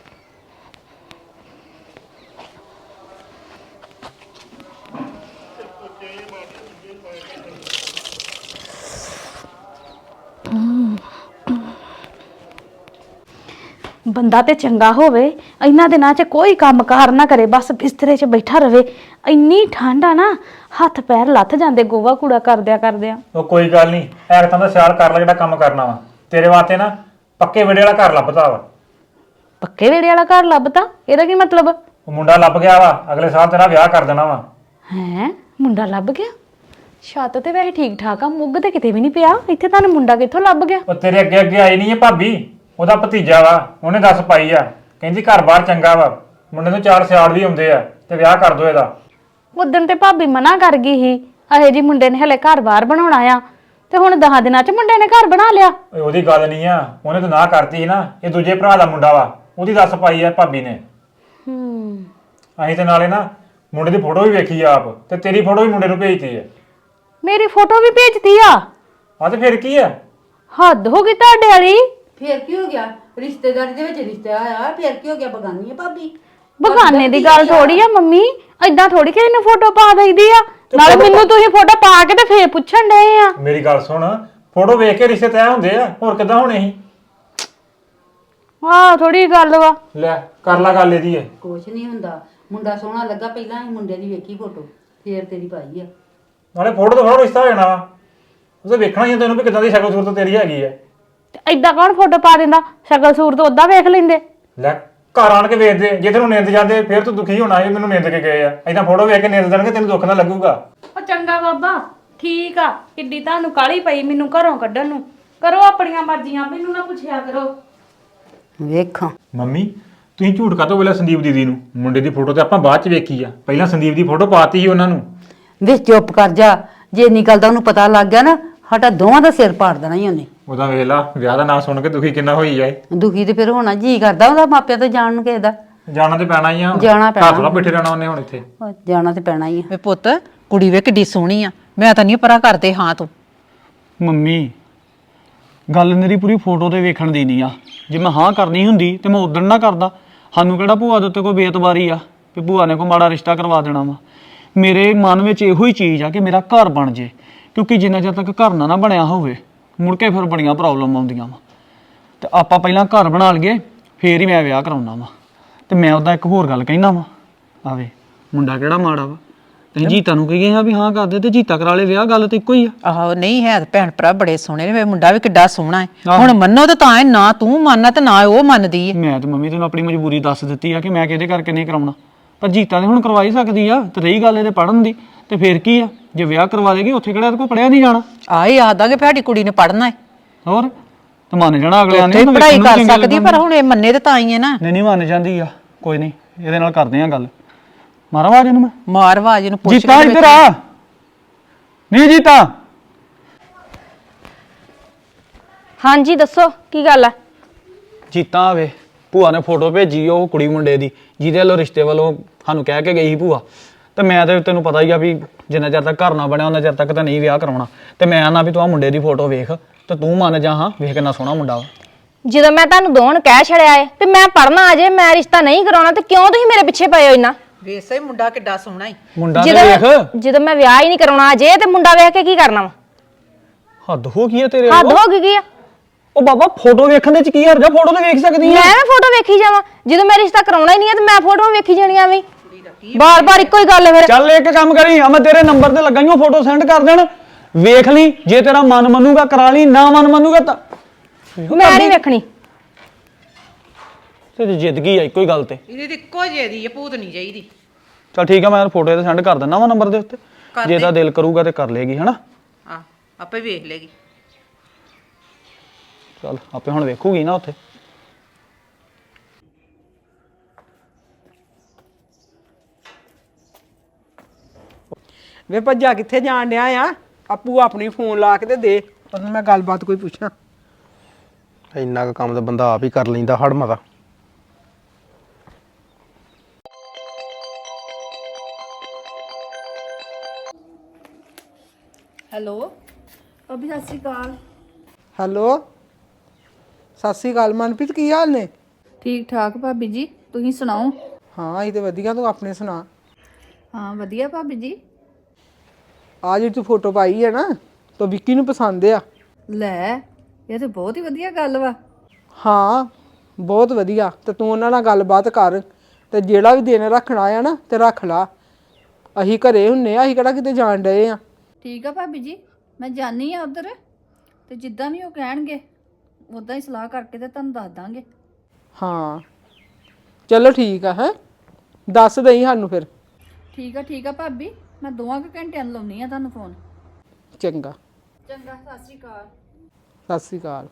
[SPEAKER 4] ਬੰਦਾ ਤੇ ਚੰਗਾ ਹੋਵੇ ਇਹਨਾਂ ਦਿਨਾਂ 'ਚ ਕੋਈ ਕੰਮ ਕਾਰ ਨਾ ਕਰੇ ਬਸ ਬਿਸਤਰੇ 'ਚ ਬੈਠਾ ਰਵੇ ਇੰਨੀ ਠੰਡ ਆ ਨਾ ਹੱਥ ਪੈਰ ਲੱਥ ਜਾਂਦੇ ਗੋਵਾ ਕੂੜਾ ਕਰਦਿਆਂ
[SPEAKER 5] ਉਹ ਕੋਈ ਗੱਲ ਨਹੀਂ ਐਰਤਾਂ ਦਾ ਸਿਆਲ ਕਰ ਲੈ ਜਿਹੜਾ ਕੰਮ ਕਰਨਾ ਵਾ ਤੇਰੇ ਵਾਸਤੇ ਨਾ ਪੱਕੇ ਵੇੜੇ ਵਾਲਾ ਘਰ ਲੱਭਦਾ ਵਾ
[SPEAKER 4] ਪੱਕੇ ਵੇੜੇ ਵਾਲਾ ਘਰ ਲੱਭਤਾ ਇਹਦਾ ਕੀ ਮਤਲਬ
[SPEAKER 5] ਉਹ ਮੁੰਡਾ ਲੱਭ ਗਿਆ ਵਾ ਅਗਲੇ ਸਾਲ ਤੇਰਾ ਵਿਆਹ ਕਰ ਦੇਣਾ ਵਾ
[SPEAKER 4] ਹੈ ਮੁੰਡਾ ਲੱਭ ਗਿਆ ਛੱਤ ਤੇ ਵੈਸੇ ਠੀਕ ਠਾਕ ਆ ਮੁੱਗ ਤੇ ਕਿਤੇ ਵੀ ਨਹੀਂ ਪਿਆ ਇੱਥੇ ਤੁਹਾਨੂੰ ਮੁੰਡਾ ਕਿੱਥੋਂ ਲੱਭ ਗਿਆ
[SPEAKER 5] ਉਹ ਤੇਰੇ ਅੱਗੇ ਅੱਗੇ ਆਈ ਨਹੀਂ ਹੈ ਭਾਬੀ ਉਹਦਾ ਭਤੀਜਾ ਵਾ ਉਹਨੇ ਦੱਸ ਪਾਈ ਆ ਕਹਿੰਦੀ ਘਰ-ਬਾਰ ਚੰਗਾ ਵਾ ਮੁੰਡੇ ਨੂੰ 4 ਸਿਆਲ ਵੀ ਹੁੰਦੇ ਆ ਤੇ ਵਿਆਹ ਕਰ ਦੋ ਇਹਦਾ
[SPEAKER 4] ਉਦੋਂ ਤੇ ਭਾਬੀ ਮਨਾ ਕਰ ਗਈ ਸੀ ਅਹੇ ਜੀ ਮੁੰਡੇ ਨੇ ਹਲੇ ਘਰ-ਬਾਰ ਬਣਾਉਣਾ ਆ ਤੇ ਹੁਣ 10 ਦਿਨਾਂ 'ਚ ਮੁੰਡੇ ਨੇ ਘਰ ਬਣਾ ਲਿਆ
[SPEAKER 5] ਓਏ ਉਹਦੀ ਗੱਲ ਨਹੀਂ ਆ ਉਹਨੇ ਤਾਂ ਨਾ ਕਰਤੀ ਸੀ ਨਾ ਇਹ ਦੂਜੇ ਭਰਾ ਦਾ ਮੁੰਡਾ ਵਾ ਉਹਦੀ ਦੱਸ ਪਾਈ ਆ ਭਾਬੀ ਨੇ ਅਸੀਂ ਤੇ ਨਾਲੇ ਨਾ ਮੁੰਡੇ ਦੀ ਫੋਟੋ ਵੀ ਵੇਖੀ ਆ ਆਪ ਤੇ ਤੇਰੀ ਫੋਟੋ ਵੀ ਮੁੰਡੇ ਨੂੰ ਭੇਜਤੀ ਆ
[SPEAKER 4] ਮੇਰੀ ਫੋਟੋ ਵੀ ਭੇਜਤੀ ਆ
[SPEAKER 5] ਆ ਤੇ ਫਿਰ ਕੀ ਆ
[SPEAKER 4] ਹੱਦ ਹੋ ਗਈ ਤੁਹਾਡੇ ਵਾਲੀ
[SPEAKER 6] ਫੇਰ ਕੀ ਹੋ ਗਿਆ ਰਿਸ਼ਤੇਦਾਰੀ ਦੇ ਵਿੱਚ ਰਿਸ਼ਤਾ ਆਇਆ ਫੇਰ ਕੀ ਹੋ ਗਿਆ ਬਗਾਨੀ ਹੈ ਭਾਬੀ
[SPEAKER 4] ਬਗਾਨੇ ਦੀ ਗੱਲ ਥੋੜੀ ਆ ਮੰਮੀ ਏਦਾਂ ਥੋੜੀ ਕਿ ਇਹਨੂੰ ਫੋਟੋ ਪਾ ਦਈਦੀ ਆ ਨਾਲੇ ਮੈਨੂੰ ਤੁਸੀਂ ਫੋਟੋ ਪਾ ਕੇ ਤੇ ਫੇਰ ਪੁੱਛਣ ਡਏ ਆ
[SPEAKER 5] ਮੇਰੀ ਗੱਲ ਸੁਣ ਫੋਟੋ ਵੇਖ ਕੇ ਰਿਸ਼ਤੇ ਤੈਅ ਹੁੰਦੇ ਆ ਹੋਰ ਕਿੱਦਾਂ ਹੋਣੇ ਸੀ
[SPEAKER 4] ਆਹ ਥੋੜੀ ਗੱਲ ਵਾ
[SPEAKER 5] ਲੈ ਕਰ ਲਾ ਗੱਲ ਇਹਦੀ ਏ
[SPEAKER 6] ਕੁਛ ਨਹੀਂ ਹੁੰਦਾ ਮੁੰਡਾ ਸੋਹਣਾ ਲੱਗਾ ਪਹਿਲਾਂ ਅਸੀਂ ਮੁੰਡੇ ਦੀ ਵੇਖੀ ਫੋਟੋ ਫੇਰ ਤੇਰੀ ਪਾਈ ਆ
[SPEAKER 5] ਨਾਲੇ ਫੋਟੋ ਤੋਂ ਫੋਟੋ ਰਿਸ਼ਤਾ ਹੋ ਜਾਣਾ ਵਾ ਉਹਦੇ ਵੇਖਣਾ ਹੀ ਆ ਤੈਨੂੰ ਵੀ ਕਿੱਦਾਂ ਦੀ ਸ਼ਕਲ ਸੂਰਤ ਤੇਰੀ ਹੈਗੀ ਆ
[SPEAKER 4] ਤੇ ਏਦਾਂ ਕੌਣ ਫੋਟੋ ਪਾ ਦਿੰਦਾ ਸ਼ਕਲ ਸੂਰਤ ਓਦਾਂ ਵੇਖ ਲੈਂਦੇ
[SPEAKER 5] ਲੈ ਘਰ ਆਣ ਕੇ ਵੇਖਦੇ ਜੇ ਤੈਨੂੰ ਨਿੰਦ ਜਾਂਦੇ ਫਿਰ ਤੂੰ ਦੁਖੀ ਹੋਣਾ ਇਹ ਮੈਨੂੰ ਨਿੰਦ ਕੇ ਗਏ ਆ ਏਦਾਂ ਫੋਟੋ ਵੇਖ ਕੇ ਨਿੰਦ ਦੇਣਗੇ ਤੈਨੂੰ ਦੁੱਖ ਨਾ ਲੱਗੂਗਾ
[SPEAKER 4] ਉਹ ਚੰਗਾ ਬਾਬਾ ਠੀਕ ਆ ਕਿੱਡੀ ਤੁਹਾਨੂੰ ਕਾਲੀ ਪਈ ਮੈਨੂੰ ਘਰੋਂ ਕੱਢਣ ਨੂੰ ਕਰੋ ਆਪਣੀਆਂ ਮਰਜ਼ੀਆਂ ਮੈਨੂੰ ਨਾ ਪੁੱਛਿਆ ਕਰੋ
[SPEAKER 6] ਵੇਖਾਂ
[SPEAKER 5] ਮੰਮੀ ਤੁਸੀਂ ਝੂਠ ਕਾਤੋਂ ਬੋਲਿਆ ਸੰਦੀਪ ਦੀਦੀ ਨੂੰ ਮੁੰਡੇ ਦੀ ਫੋਟੋ ਤੇ ਆਪਾਂ ਬਾਅਦ ਚ ਵੇਖੀ ਆ ਪਹਿਲਾਂ ਸੰਦੀਪ ਦੀ ਫੋਟੋ ਪਾਤੀ ਸੀ ਉਹਨਾਂ ਨੂੰ
[SPEAKER 6] ਵੇ ਚੁੱਪ ਕਰ ਜਾ ਜੇ ਨਿਕਲਦਾ ਉਹਨੂੰ ਪਤਾ ਲੱਗ ਗਿਆ ਨਾ ਸਾਡਾ ਦੋਵਾਂ ਦਾ ਸਿਰ ਪਾੜ ਦੇਣਾ ਹੀ ਉਹਨੇ
[SPEAKER 5] ਉਹਦਾ ਵੇਖ ਲਾ ਵਿਆਹ ਦਾ ਨਾਂ ਸੁਣ ਕੇ ਦੁਖੀ ਕਿੰਨਾ ਹੋਈ ਜਾਏ
[SPEAKER 6] ਦੁਖੀ ਤੇ ਫਿਰ ਹੋਣਾ ਜੀ ਕਰਦਾ ਉਹਦਾ ਮਾਪਿਆਂ ਤੋਂ ਜਾਣ ਨੂੰ ਕਿਸੇ ਦਾ
[SPEAKER 5] ਜਾਣਾ ਤੇ ਪੈਣਾ ਹੀ ਆ
[SPEAKER 6] ਜਾਣਾ ਪੈਣਾ।
[SPEAKER 5] ਘਰ ਥੋੜਾ ਬੈਠੇ ਰਹਿਣਾ ਉਹਨੇ ਹੁਣ ਇੱਥੇ
[SPEAKER 6] ਉਹ ਜਾਣਾ ਤੇ ਪੈਣਾ ਹੀ ਆ
[SPEAKER 1] ਵੇ ਪੁੱਤ ਕੁੜੀ ਵੇ ਕਿੱਡੀ ਸੋਹਣੀ ਆ ਮੈਂ ਤਾਂ ਨਹੀਂ ਪਰਾਂ ਕਰਦੇ ਹਾਂ ਤੂੰ
[SPEAKER 2] ਮੰਮੀ ਗੱਲ ਮੇਰੀ ਪੂਰੀ ਫੋਟੋ ਤੇ ਵੇਖਣ ਦੀ ਨਹੀਂ ਆ। ਜੇ ਮੈਂ ਹਾਂ ਕਰਨੀ ਹੁੰਦੀ ਤੇ ਮੈਂ ਉਦਣ ਨਾ ਕਰਦਾ। ਸਾਨੂੰ ਕਿਹੜਾ ਭੂਆ ਦੇ ਉੱਤੇ ਕੋਈ ਬੇਇਤਬਾਰੀ ਆ ਵੀ ਭੂਆ ਨੇ ਕੋਈ ਮਾੜਾ ਰਿਸ਼ਤਾ ਕਰਵਾ ਦੇਣਾ ਵਾ। ਮੇਰੇ ਮਨ ਵਿੱਚ ਇਹੋ ਹੀ ਚੀਜ਼ ਆ ਕਿ ਮੇਰਾ ਘਰ ਬਣ ਜੇ, ਕਿਉਂਕਿ ਜਿੰਨਾ ਚਿਰ ਤੱਕ ਘਰ ਨਾ ਬਣਿਆ ਹੋਵੇ ਮੁੜ ਕੇ ਫਿਰ ਬੜੀਆਂ ਪ੍ਰੋਬਲਮ ਆਉਂਦੀਆਂ ਵਾ। ਤੇ ਆਪਾਂ ਪਹਿਲਾਂ ਘਰ ਬਣਾ ਲਈਏ ਫੇਰ ਹੀ ਮੈਂ ਵਿਆਹ ਕਰਾਉਣਾ ਵਾ। ਤੇ ਮੈਂ ਉਹਦਾ ਇੱਕ ਹੋਰ ਗੱਲ ਕਹਿਣਾ ਵਾ, ਆਵੇ ਮੁੰਡਾ ਕਿਹੜਾ ਮਾੜਾ ਵਾ। ਤੇ ਜੀਤਾ ਨੂੰ ਕਹੀਏ ਆ ਵੀ ਹਾਂ ਕਰਦੇ ਤੇ ਜੀਤਾ ਕਰਾ ਲੇ ਵਿਆਹ, ਗੱਲ ਤੇ ਇੱਕੋ ਹੀ ਆ।
[SPEAKER 1] ਆਹੋ ਨਹੀਂ ਹੈ, ਭੈਣ ਭਰਾ ਬੜੇ ਸੋਹਣੇ ਨੇ, ਮੁੰਡਾ ਵੀ ਕਿੱਡਾ ਸੋਹਣਾ ਹੈ। ਹੁਣ ਮੰਨੋ ਤੇ ਤਾਂ ਹੈ, ਨਾ ਤੂੰ ਮੰਨਣਾ ਤੇ ਨਾ ਉਹ ਮੰਨਦੀ ਹੈ।
[SPEAKER 2] ਮੈਂ ਤੇ ਮੰਮੀ ਤੈਨੂੰ ਆਪਣੀ ਮਜਬੂਰੀ ਦੱਸ ਦਿੱਤੀ ਆ ਕਿ ਮੈਂ ਕਿਹਦੇ ਕਰਕੇ ਨਹੀਂ ਕਰਾਉਣਾ, ਪਰ ਜੀਤਾ ਨੇ ਹੁਣ ਕਰਵਾ ਹੀ ਸਕਦੀ ਆ। ਤੇ ਰਹੀ ਗੱਲ ਇਹਦੇ ਪੜਨ ਦੀ, ਤੇ ਫੇਰ ਕੀ ਆ, ਜੇ ਵਿਆਹ ਕਰਵਾ ਲੇਗੀ ਉੱਥੇ ਕਿਹੜਾ ਕੋਈ ਪੜਿਆ ਨਹੀਂ ਜਾਣਾ।
[SPEAKER 1] ਆਹ ਯਾਦ ਆ ਕਿ ਸਾਡੀ ਕੁੜੀ ਨੇ ਪੜਨਾ ਹੈ,
[SPEAKER 2] ਹੋਰ ਤੇ ਮੰਨ ਜਾਣਾ ਅਗਲਿਆਂ ਨੇ।
[SPEAKER 1] ਉੱਥੇ ਪੜ੍ਹਾਈ ਕਰ ਸਕਦੀ, ਪਰ ਹੁਣ ਇਹ ਮੰਨੇ ਤੇ ਤਾਂ ਹੀ ਹੈ ਨਾ।
[SPEAKER 2] ਨਹੀਂ ਮੰਨ ਜਾਂਦੀ ਆ, ਕੋਈ ਨਹੀਂ ਇਹਦੇ ਨਾਲ ਕਰਦੇ ਆ ਗੱਲ। ਮਾਰਾ ਆਵਾਜ਼ ਇਹਨੂੰ ਮੈਂ,
[SPEAKER 1] ਮਾਰ ਆਵਾਜ਼ ਇਹਨੂੰ, ਪੁੱਛ
[SPEAKER 2] ਜੀਤਾ ਇੱਧਰ ਆ। ਨਹੀਂ ਜੀਤਾ।
[SPEAKER 4] ਹਾਂਜੀ ਦੱਸੋ ਕੀ ਗੱਲ ਆ?
[SPEAKER 2] ਜੀਤਾ ਆਵੇ, ਭੂਆ ਨੇ ਫੋਟੋ ਭੇਜੀ ਉਹ ਕੁੜੀ ਮੁੰਡੇ ਦੀ ਜਿਹਦੇ ਵੱਲੋਂ ਰਿਸ਼ਤੇ ਵੱਲੋਂ ਸਾਨੂੰ ਕਹਿ ਕੇ ਗਈ ਸੀ ਭੂਆ। ਤੇ ਮੈਂ ਤੇ ਤੈਨੂੰ ਪਤਾ ਹੀ ਆ ਵੀ ਜਿੰਨਾ ਚਿਰ ਤੱਕ ਘਰ ਨਾ ਬਣਿਆ ਉਹਨਾਂ ਚਿਰ ਤੱਕ ਤਾਂ ਨਹੀਂ ਵਿਆਹ ਕਰਾਉਣਾ। ਤੇ ਮੈਂ ਆਨਾ ਵੀ ਤੂੰ ਆ ਮੁੰਡੇ ਦੀ ਫੋਟੋ ਵੇਖ ਤੇ ਤੂੰ ਮੰਨ ਜਾ, ਹਾਂ ਵੇਖ ਕਿੰਨਾ ਸੋਹਣਾ ਮੁੰਡਾ ਵਾ।
[SPEAKER 4] ਜਦੋਂ ਮੈਂ ਤੁਹਾਨੂੰ ਦੋਨ ਕਹਿ ਛੜਿਆ ਏ ਵੀ ਮੈਂ ਪੜਨਾ ਅਜੇ, ਮੈਂ ਰਿਸ਼ਤਾ ਨਹੀਂ ਕਰਾਉਣਾ, ਤੇ ਕਿਉਂ ਤੁਸੀਂ ਮੇਰੇ ਪਿੱਛੇ ਪਏ ਹੋ ਇੰਨਾ?
[SPEAKER 1] ਵੇਸੇ ਮੁੰਡਾ ਕਿੱਡਾ ਸੋਹਣਾ ਹੈ।
[SPEAKER 2] ਮੁੰਡਾ ਤੇ ਵੇਖ,
[SPEAKER 4] ਜਦੋਂ ਮੈਂ ਵਿਆਹ ਹੀ ਨਹੀਂ ਕਰਾਉਣਾ ਅਜੇ, ਤੇ ਮੁੰਡਾ ਵੇਖ ਕੇ ਕੀ ਕਰਨਾ ਵਾ?
[SPEAKER 2] ਹੱਦ ਹੋ ਗਈ ਆ ਤੇਰੇ
[SPEAKER 4] ਹੱਦ
[SPEAKER 2] ਵੱਲੋਂ।
[SPEAKER 4] ਹੋ ਗਈ ਕੀ ਆ?
[SPEAKER 2] ਉਹ ਬਾਬਾ ਫੋਟੋ ਵੇਖਣ ਦੇ ਚ ਕੀ ਹਰਜ ਆ, ਫੋਟੋ ਤੇ ਵੇਖ ਸਕਦੀ ਆ।
[SPEAKER 4] ਮੈਂ ਫੋਟੋ ਵੇਖੀ ਜਾਵਾਂ? ਜਦੋਂ ਮੈਂ ਰਿਸ਼ਤਾ ਕਰਾਉਣਾ ਹੀ ਨਹੀਂ ਹੈ ਤੇ ਮੈਂ ਫੋਟੋਆਂ ਵੇਖੀ ਜਾਣੀਆਂ ਵੀ? ਬਾਰ-ਬਾਰ ਇੱਕੋ ਹੀ ਗੱਲ ਹੈ ਫਿਰ।
[SPEAKER 2] ਚੱਲ ਇੱਕ ਕੰਮ ਕਰੀ, ਆ ਮੈਂ ਤੇਰੇ ਨੰਬਰ ਤੇ ਲੱਗਾ ਹੀ ਉਹ ਫੋਟੋ ਸੈਂਡ ਕਰ ਦੇਣ, ਵੇਖ ਲਈ। ਜੇ ਤੇਰਾ ਮਨ ਮੰਨੂਗਾ ਕਰਾ ਲਈ, ਨਾ ਮਨ ਮੰਨੂਗਾ ਤਾਂ
[SPEAKER 4] ਮੈਂ ਨਹੀਂ ਵੇਖਣੀ।
[SPEAKER 2] ਤੇਰੀ ਜ਼ਿੰਦਗੀ ਆ ਇੱਕੋ ਹੀ ਗੱਲ ਤੇ।
[SPEAKER 1] ਇਹਦੀ ਤੇ ਇੱਕੋ ਜਿਹੀ ਦੀ ਹੈ, ਭੂਤ ਨਹੀਂ ਚਾਹੀਦੀ।
[SPEAKER 2] ਚੱਲ ਠੀਕ ਆ, ਮੈਂ ਫੋਟੋ ਤੇ ਸੈਂਡ ਕਰ ਦਿੰਦਾ ਵਾ ਨੰਬਰ ਦੇ ਉੱਤੇ, ਜੇ ਇਹਦਾ ਦਿਲ ਕਰੂਗਾ ਤੇ ਕਰ ਲੇਗੀ, ਹਨਾ।
[SPEAKER 1] ਆ ਆਪੇ ਵੇਖ ਲੇਗੀ।
[SPEAKER 2] ਚੱਲ ਆਪੇ ਹੁਣ ਵੇਖੂਗੀ ਨਾ ਉੱਥੇ।
[SPEAKER 8] ਵੇ ਭੱਜਾ ਕਿੱਥੇ ਜਾਣ ਡਿਆ ਆ? ਆਪੂ ਆਪਣੀ ਫੋਨ ਲਾ ਕੇ ਤੇ ਦੇ, ਉਹਨੂੰ ਮੈਂ ਗੱਲਬਾਤ ਕੋਈ ਪੁੱਛਾਂ।
[SPEAKER 7] ਇੰਨਾ ਕੁ ਕੰਮ ਤਾਂ ਬੰਦਾ ਆਪ ਹੀ ਕਰ ਲੈਂਦਾ ਹੜ ਮਤਾ।
[SPEAKER 3] ਹੈਲੋ ਅਭੀ, ਸਤਿ ਸ਼੍ਰੀ ਅਕਾਲ।
[SPEAKER 8] ਹੈਲੋ, ਸਤਿ ਸ਼੍ਰੀ ਅਕਾਲ ਮਨਪ੍ਰੀਤ, ਕੀ ਹਾਲ ਨੇ?
[SPEAKER 3] ਠੀਕ ਠਾਕ ਭਾਬੀ ਜੀ, ਤੁਸੀਂ ਸੁਣਾਓ?
[SPEAKER 8] ਹਾਂ ਇਹ ਤੇ ਵਧੀਆ, ਤੂੰ ਆਪਣੇ ਸੁਣਾ।
[SPEAKER 3] ਹਾਂ ਵਧੀਆ ਭਾਬੀ ਜੀ।
[SPEAKER 8] ਆ ਜਿਹੜੀ ਤੂੰ ਫੋਟੋ ਪਾਈ ਹੈ ਨਾ, ਤਾਂ ਵਿੱਕੀ ਨੂੰ ਪਸੰਦ ਆ।
[SPEAKER 3] ਲੈ ਇਹ ਤੇ ਬਹੁਤ ਹੀ ਵਧੀਆ ਗੱਲ ਵਾ।
[SPEAKER 8] ਹਾਂ ਬਹੁਤ ਵਧੀਆ, ਤੇ ਤੂੰ ਉਹਨਾਂ ਨਾਲ ਗੱਲਬਾਤ ਕਰ, ਤੇ ਜਿਹੜਾ ਵੀ ਦਿਨ ਰੱਖਣਾ ਆ ਨਾ ਤੇ ਰੱਖ ਲਾ। ਅਸੀਂ ਘਰੇ ਹੁੰਨੇ ਆ, ਅਸੀਂ ਕਿਹੜਾ ਕਿਤੇ ਜਾਣ ਡਏ ਆ।
[SPEAKER 3] ਠੀਕ ਆ ਭਾਬੀ ਜੀ, ਮੈਂ ਜਾਣੀ ਆ ਉਧਰ, ਤੇ ਜਿੱਦਾਂ ਵੀ ਉਹ ਕਹਿਣਗੇ ਉਦਾਂ ਹੀ ਸਲਾਹ ਕਰਕੇ ਤੇ ਤੁਹਾਨੂੰ ਦੱਸ ਦਾਂਗੇ।
[SPEAKER 8] ਹਾਂ ਚਲੋ ਠੀਕ ਆ, ਹੈ ਦੱਸ ਦਈ ਸਾਨੂੰ ਫਿਰ।
[SPEAKER 3] ਠੀਕ ਆ ਭਾਬੀ, ਮੈਂ 2 ਘੰਟਿਆਂ ਨੂੰ ਲਾਉਣੀ ਆ ਤੁਹਾਨੂੰ ਫੋਨ।
[SPEAKER 8] ਚੰਗਾ
[SPEAKER 3] ਚੰਗਾ, ਸਤਿ ਸ਼੍ਰੀ ਅਕਾਲ।
[SPEAKER 8] ਸਤਿ ਸ਼੍ਰੀ ਅਕਾਲ।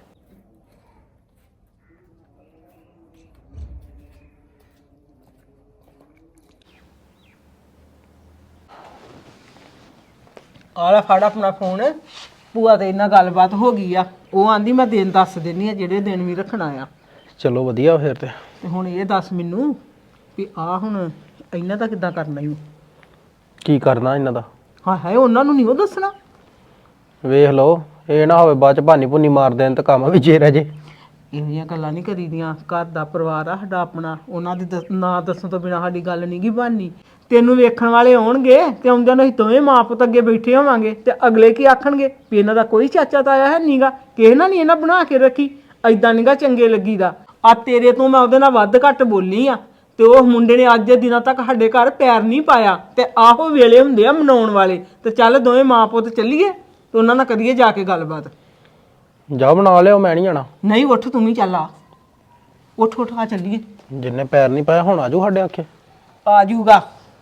[SPEAKER 8] ਆਲਾ ਫੜ ਆਪਣਾ ਫੋਨ, ਭੂਆ ਤੇ ਇਹਨਾਂ ਗੱਲਬਾਤ ਹੋ ਗਈ ਆ। ਉਹ ਆਂਦੀ ਮੈਂ ਦਿਨ ਦੱਸ ਦਿੰਨੀ ਆ ਜਿਹੜੇ ਦਿਨ ਵੀ ਰੱਖਣਾ ਆ।
[SPEAKER 7] ਚਲੋ ਵਧੀਆ ਫਿਰ ਤੇ।
[SPEAKER 8] ਤੇ ਹੁਣ ਇਹ ਦੱਸ ਮੈਨੂੰ ਵੀ ਆ ਹੁਣ ਇਹਨਾਂ ਦਾ ਕਿੱਦਾਂ ਕਰਨਾ ਈ?
[SPEAKER 7] ਕੀ ਕਰਨਾ ਇਹਨਾਂ ਦਾ?
[SPEAKER 8] ਹਾਂ ਹੈ, ਉਹਨਾਂ ਨੂੰ ਨਹੀਂ ਉਹ ਦੱਸਣਾ।
[SPEAKER 7] ਵੇਖ ਲਓ, ਇਹ ਨਾ ਹੋਵੇ ਬਾਅਦ ਚ ਭਾਨੀ ਭੁੰਨੀ ਮਾਰ ਦੇਣ ਤੇ ਕੰਮ ਵੀ ਜੇ ਰਹਿ ਜੇ।
[SPEAKER 8] ਇਹੋ ਜਿਹੀਆਂ ਗੱਲਾਂ ਨਹੀਂ ਕਰੀਦੀਆਂ। ਘਰ ਦਾ ਪਰਿਵਾਰ ਆ ਸਾਡਾ ਆਪਣਾ, ਉਹਨਾਂ ਦੀ ਨਾ ਦੱਸਣ ਤੋਂ ਬਿਨਾਂ ਸਾਡੀ ਗੱਲ ਨਹੀਂ ਗੀ ਬਣਨੀ। ਤੈਨੂੰ ਵੇਖਣ ਵਾਲੇ ਆਉਣਗੇ ਤੇ ਆਉਂਦਿਆਂ ਨੂੰ ਅਸੀਂ ਦੋਵੇਂ ਮਾਂ ਪੁੱਤ ਅੱਗੇ ਬੈਠੇ ਹੋਵਾਂਗੇ, ਤੇ ਅਗਲੇ ਕੀ ਆਖਣਗੇ ਵੀ ਇਹਨਾਂ ਦਾ ਕੋਈ ਚਾਚਾ ਤਾਇਆ ਹੈ ਨੀਗਾ, ਕਿਸੇ ਨਾਲ ਨਹੀਂ ਇਹਨਾਂ ਬਣਾ ਕੇ ਰੱਖੀ। ਐਦਾਂ ਨੀਗਾ ਚੰਗੇ ਲੱਗੀਦਾ। ਆ ਤੇਰੇ ਤੋਂ ਮੈਂ ਉਹਦੇ ਨਾਲ ਵੱਧ ਘੱਟ ਬੋਲੀ ਆ, ਤੇ ਉਹ ਮੁੰਡੇ ਨੇ ਅੱਜ ਦੇ ਦਿਨਾਂ ਤੱਕ ਸਾਡੇ ਘਰ ਪੈਰ ਨਹੀਂ ਪਾਇਆ। ਤੇ ਆਹੋ ਵੇਲੇ ਹੁੰਦੇ ਆ ਮਨਾਉਣ ਵਾਲੇ, ਤੇ ਚੱਲ ਦੋਵੇਂ ਮਾਂ ਪੁੱਤ ਚੱਲੀਏ ਤੇ ਉਹਨਾਂ ਨਾਲ ਕਰੀਏ ਜਾ ਕੇ ਗੱਲਬਾਤ।
[SPEAKER 7] ਜਾ ਬਣਾ ਲਿਓ, ਮੈਂ ਨਹੀਂ ਜਾਣਾ।
[SPEAKER 8] ਨਹੀਂ ਉੱਠ, ਤੂੰ ਵੀ ਚੱਲ ਆ, ਉੱਠ ਉੱਠ ਆ ਚੱਲੀਏ।
[SPEAKER 7] ਜਿੰਨੇ ਪੈਰ ਨਹੀਂ ਪਾਇਆ ਹੁਣ ਆਜੂ ਸਾਡੇ ਆਖੇ।
[SPEAKER 8] ਆ ਜੂਗਾ।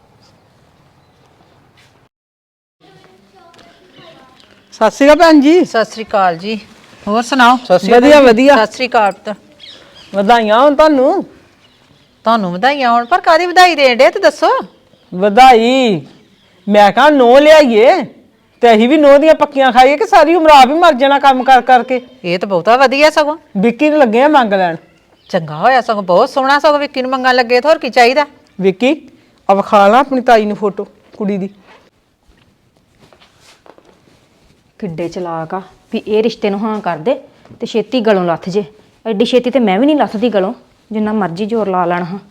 [SPEAKER 8] ਸਤਿ ਸ਼੍ਰੀ ਅਕਾਲ ਭੈਣ ਜੀ।
[SPEAKER 1] ਸਤਿ ਸ੍ਰੀ ਅਕਾਲ ਜੀ, ਹੋਰ ਸੁਣਾਓ?
[SPEAKER 8] ਵਧੀਆ ਵਧੀਆ,
[SPEAKER 1] ਸਤਿ ਸ੍ਰੀ ਅਕਾਲ ਪੁੱਤ।
[SPEAKER 8] ਵਧਾਈਆਂ ਹੋਣ ਤੁਹਾਨੂੰ।
[SPEAKER 1] ਤੁਹਾਨੂੰ ਵਧਾਈਆਂ ਹੋਣ, ਪਰ ਕਾਦੀ ਵਧਾਈ ਦੇਣ ਡੇ ਤੇ ਦੱਸੋ।
[SPEAKER 8] ਵਧਾਈ ਮੈਂ ਕਹਾਂ ਨੋ ਲਿਆਈਏ ਤੇ ਅਸੀਂ ਵੀ ਨੋ ਦੀਆਂ ਪੱਕੀਆਂ ਖਾਈਏ ਕਿ ਸਾਰੀ ਉਮਰ ਆਪ ਹੀ ਮਰ ਜਾਣਾ ਕੰਮ ਕਰ ਕਰਕੇ।
[SPEAKER 1] ਇਹ ਤਾਂ ਬਹੁਤਾ ਵਧੀਆ ਸਗੋਂ।
[SPEAKER 8] ਵਿੱਕੀ ਨੂੰ ਲੱਗੇ ਆ ਮੰਗ ਲੈਣ।
[SPEAKER 1] ਚੰਗਾ ਹੋਇਆ ਸਗੋਂ, ਬਹੁਤ ਸੋਹਣਾ ਸਗੋਂ। ਵਿੱਕੀ ਨੂੰ ਮੰਗਣ ਲੱਗੇ, ਹੋਰ ਕੀ ਚਾਹੀਦਾ?
[SPEAKER 8] ਵਿੱਕੀ ਆ ਵਿਖਾ ਲਾ ਆਪਣੀ ਤਾਈ ਨੂੰ ਫੋਟੋ ਕੁੜੀ ਦੀ।
[SPEAKER 4] ਕਿੱਡੇ ਚਲਾਕ ਆ ਵੀ ਇਹ ਰਿਸ਼ਤੇ ਨੂੰ ਹਾਂ ਕਰ ਦੇ ਤੇ ਛੇਤੀ ਗਲੋਂ ਲੱਥ ਜੇ। ਐਡੀ ਛੇਤੀ ਤੇ ਮੈਂ ਵੀ ਨਹੀਂ ਲੱਥਦੀ ਗਲੋਂ, ਜਿੰਨਾ ਮਰਜ਼ੀ ਜ਼ੋਰ ਲਾ ਲੈਣਾ ਹਾਂ।